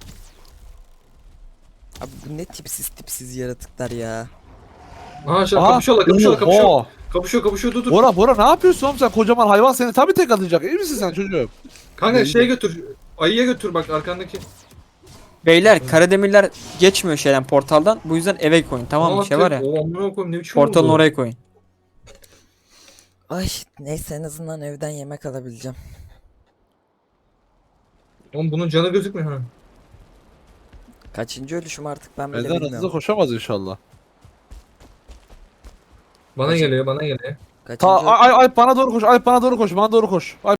Speaker 4: Abi bu ne tipsiz tipsiz yaratıklar ya.
Speaker 2: Aha şu
Speaker 1: Aha,
Speaker 2: kapışıyorlar, kapışıyorlar, kapışıyorlar.
Speaker 1: oha.
Speaker 2: Kapışıyor, kapışıyor, dur dur.
Speaker 1: Bora Bora ne yapıyorsun oğlum sen kocaman hayvan seni tabii tek atacak. İyi misin sen çocuğum?
Speaker 2: Kanka şeye götür. Ayıya götür bak arkandaki.
Speaker 3: Beyler karademirler geçmiyor şeyden portaldan. Bu yüzden eve koyun tamam mı? Şey var ya.
Speaker 2: O amına koyayım, ne biçim
Speaker 3: Portalın
Speaker 2: oldu?
Speaker 3: oraya koyun.
Speaker 4: Ay neyse en azından evden yemek alabileceğim.
Speaker 2: Oğlum bunun canı gözükmüyor ha.
Speaker 4: Kaçıncı ölüşüm artık ben bile
Speaker 1: Benden hızlı
Speaker 4: bilmiyorum.
Speaker 1: koşamaz inşallah.
Speaker 2: Bana
Speaker 4: Kaçın-
Speaker 2: geliyor, bana geliyor.
Speaker 4: Kaçıncı
Speaker 1: Ta
Speaker 4: öl-
Speaker 1: ay ay bana doğru koş. Ay bana doğru koş. Bana doğru koş. Ay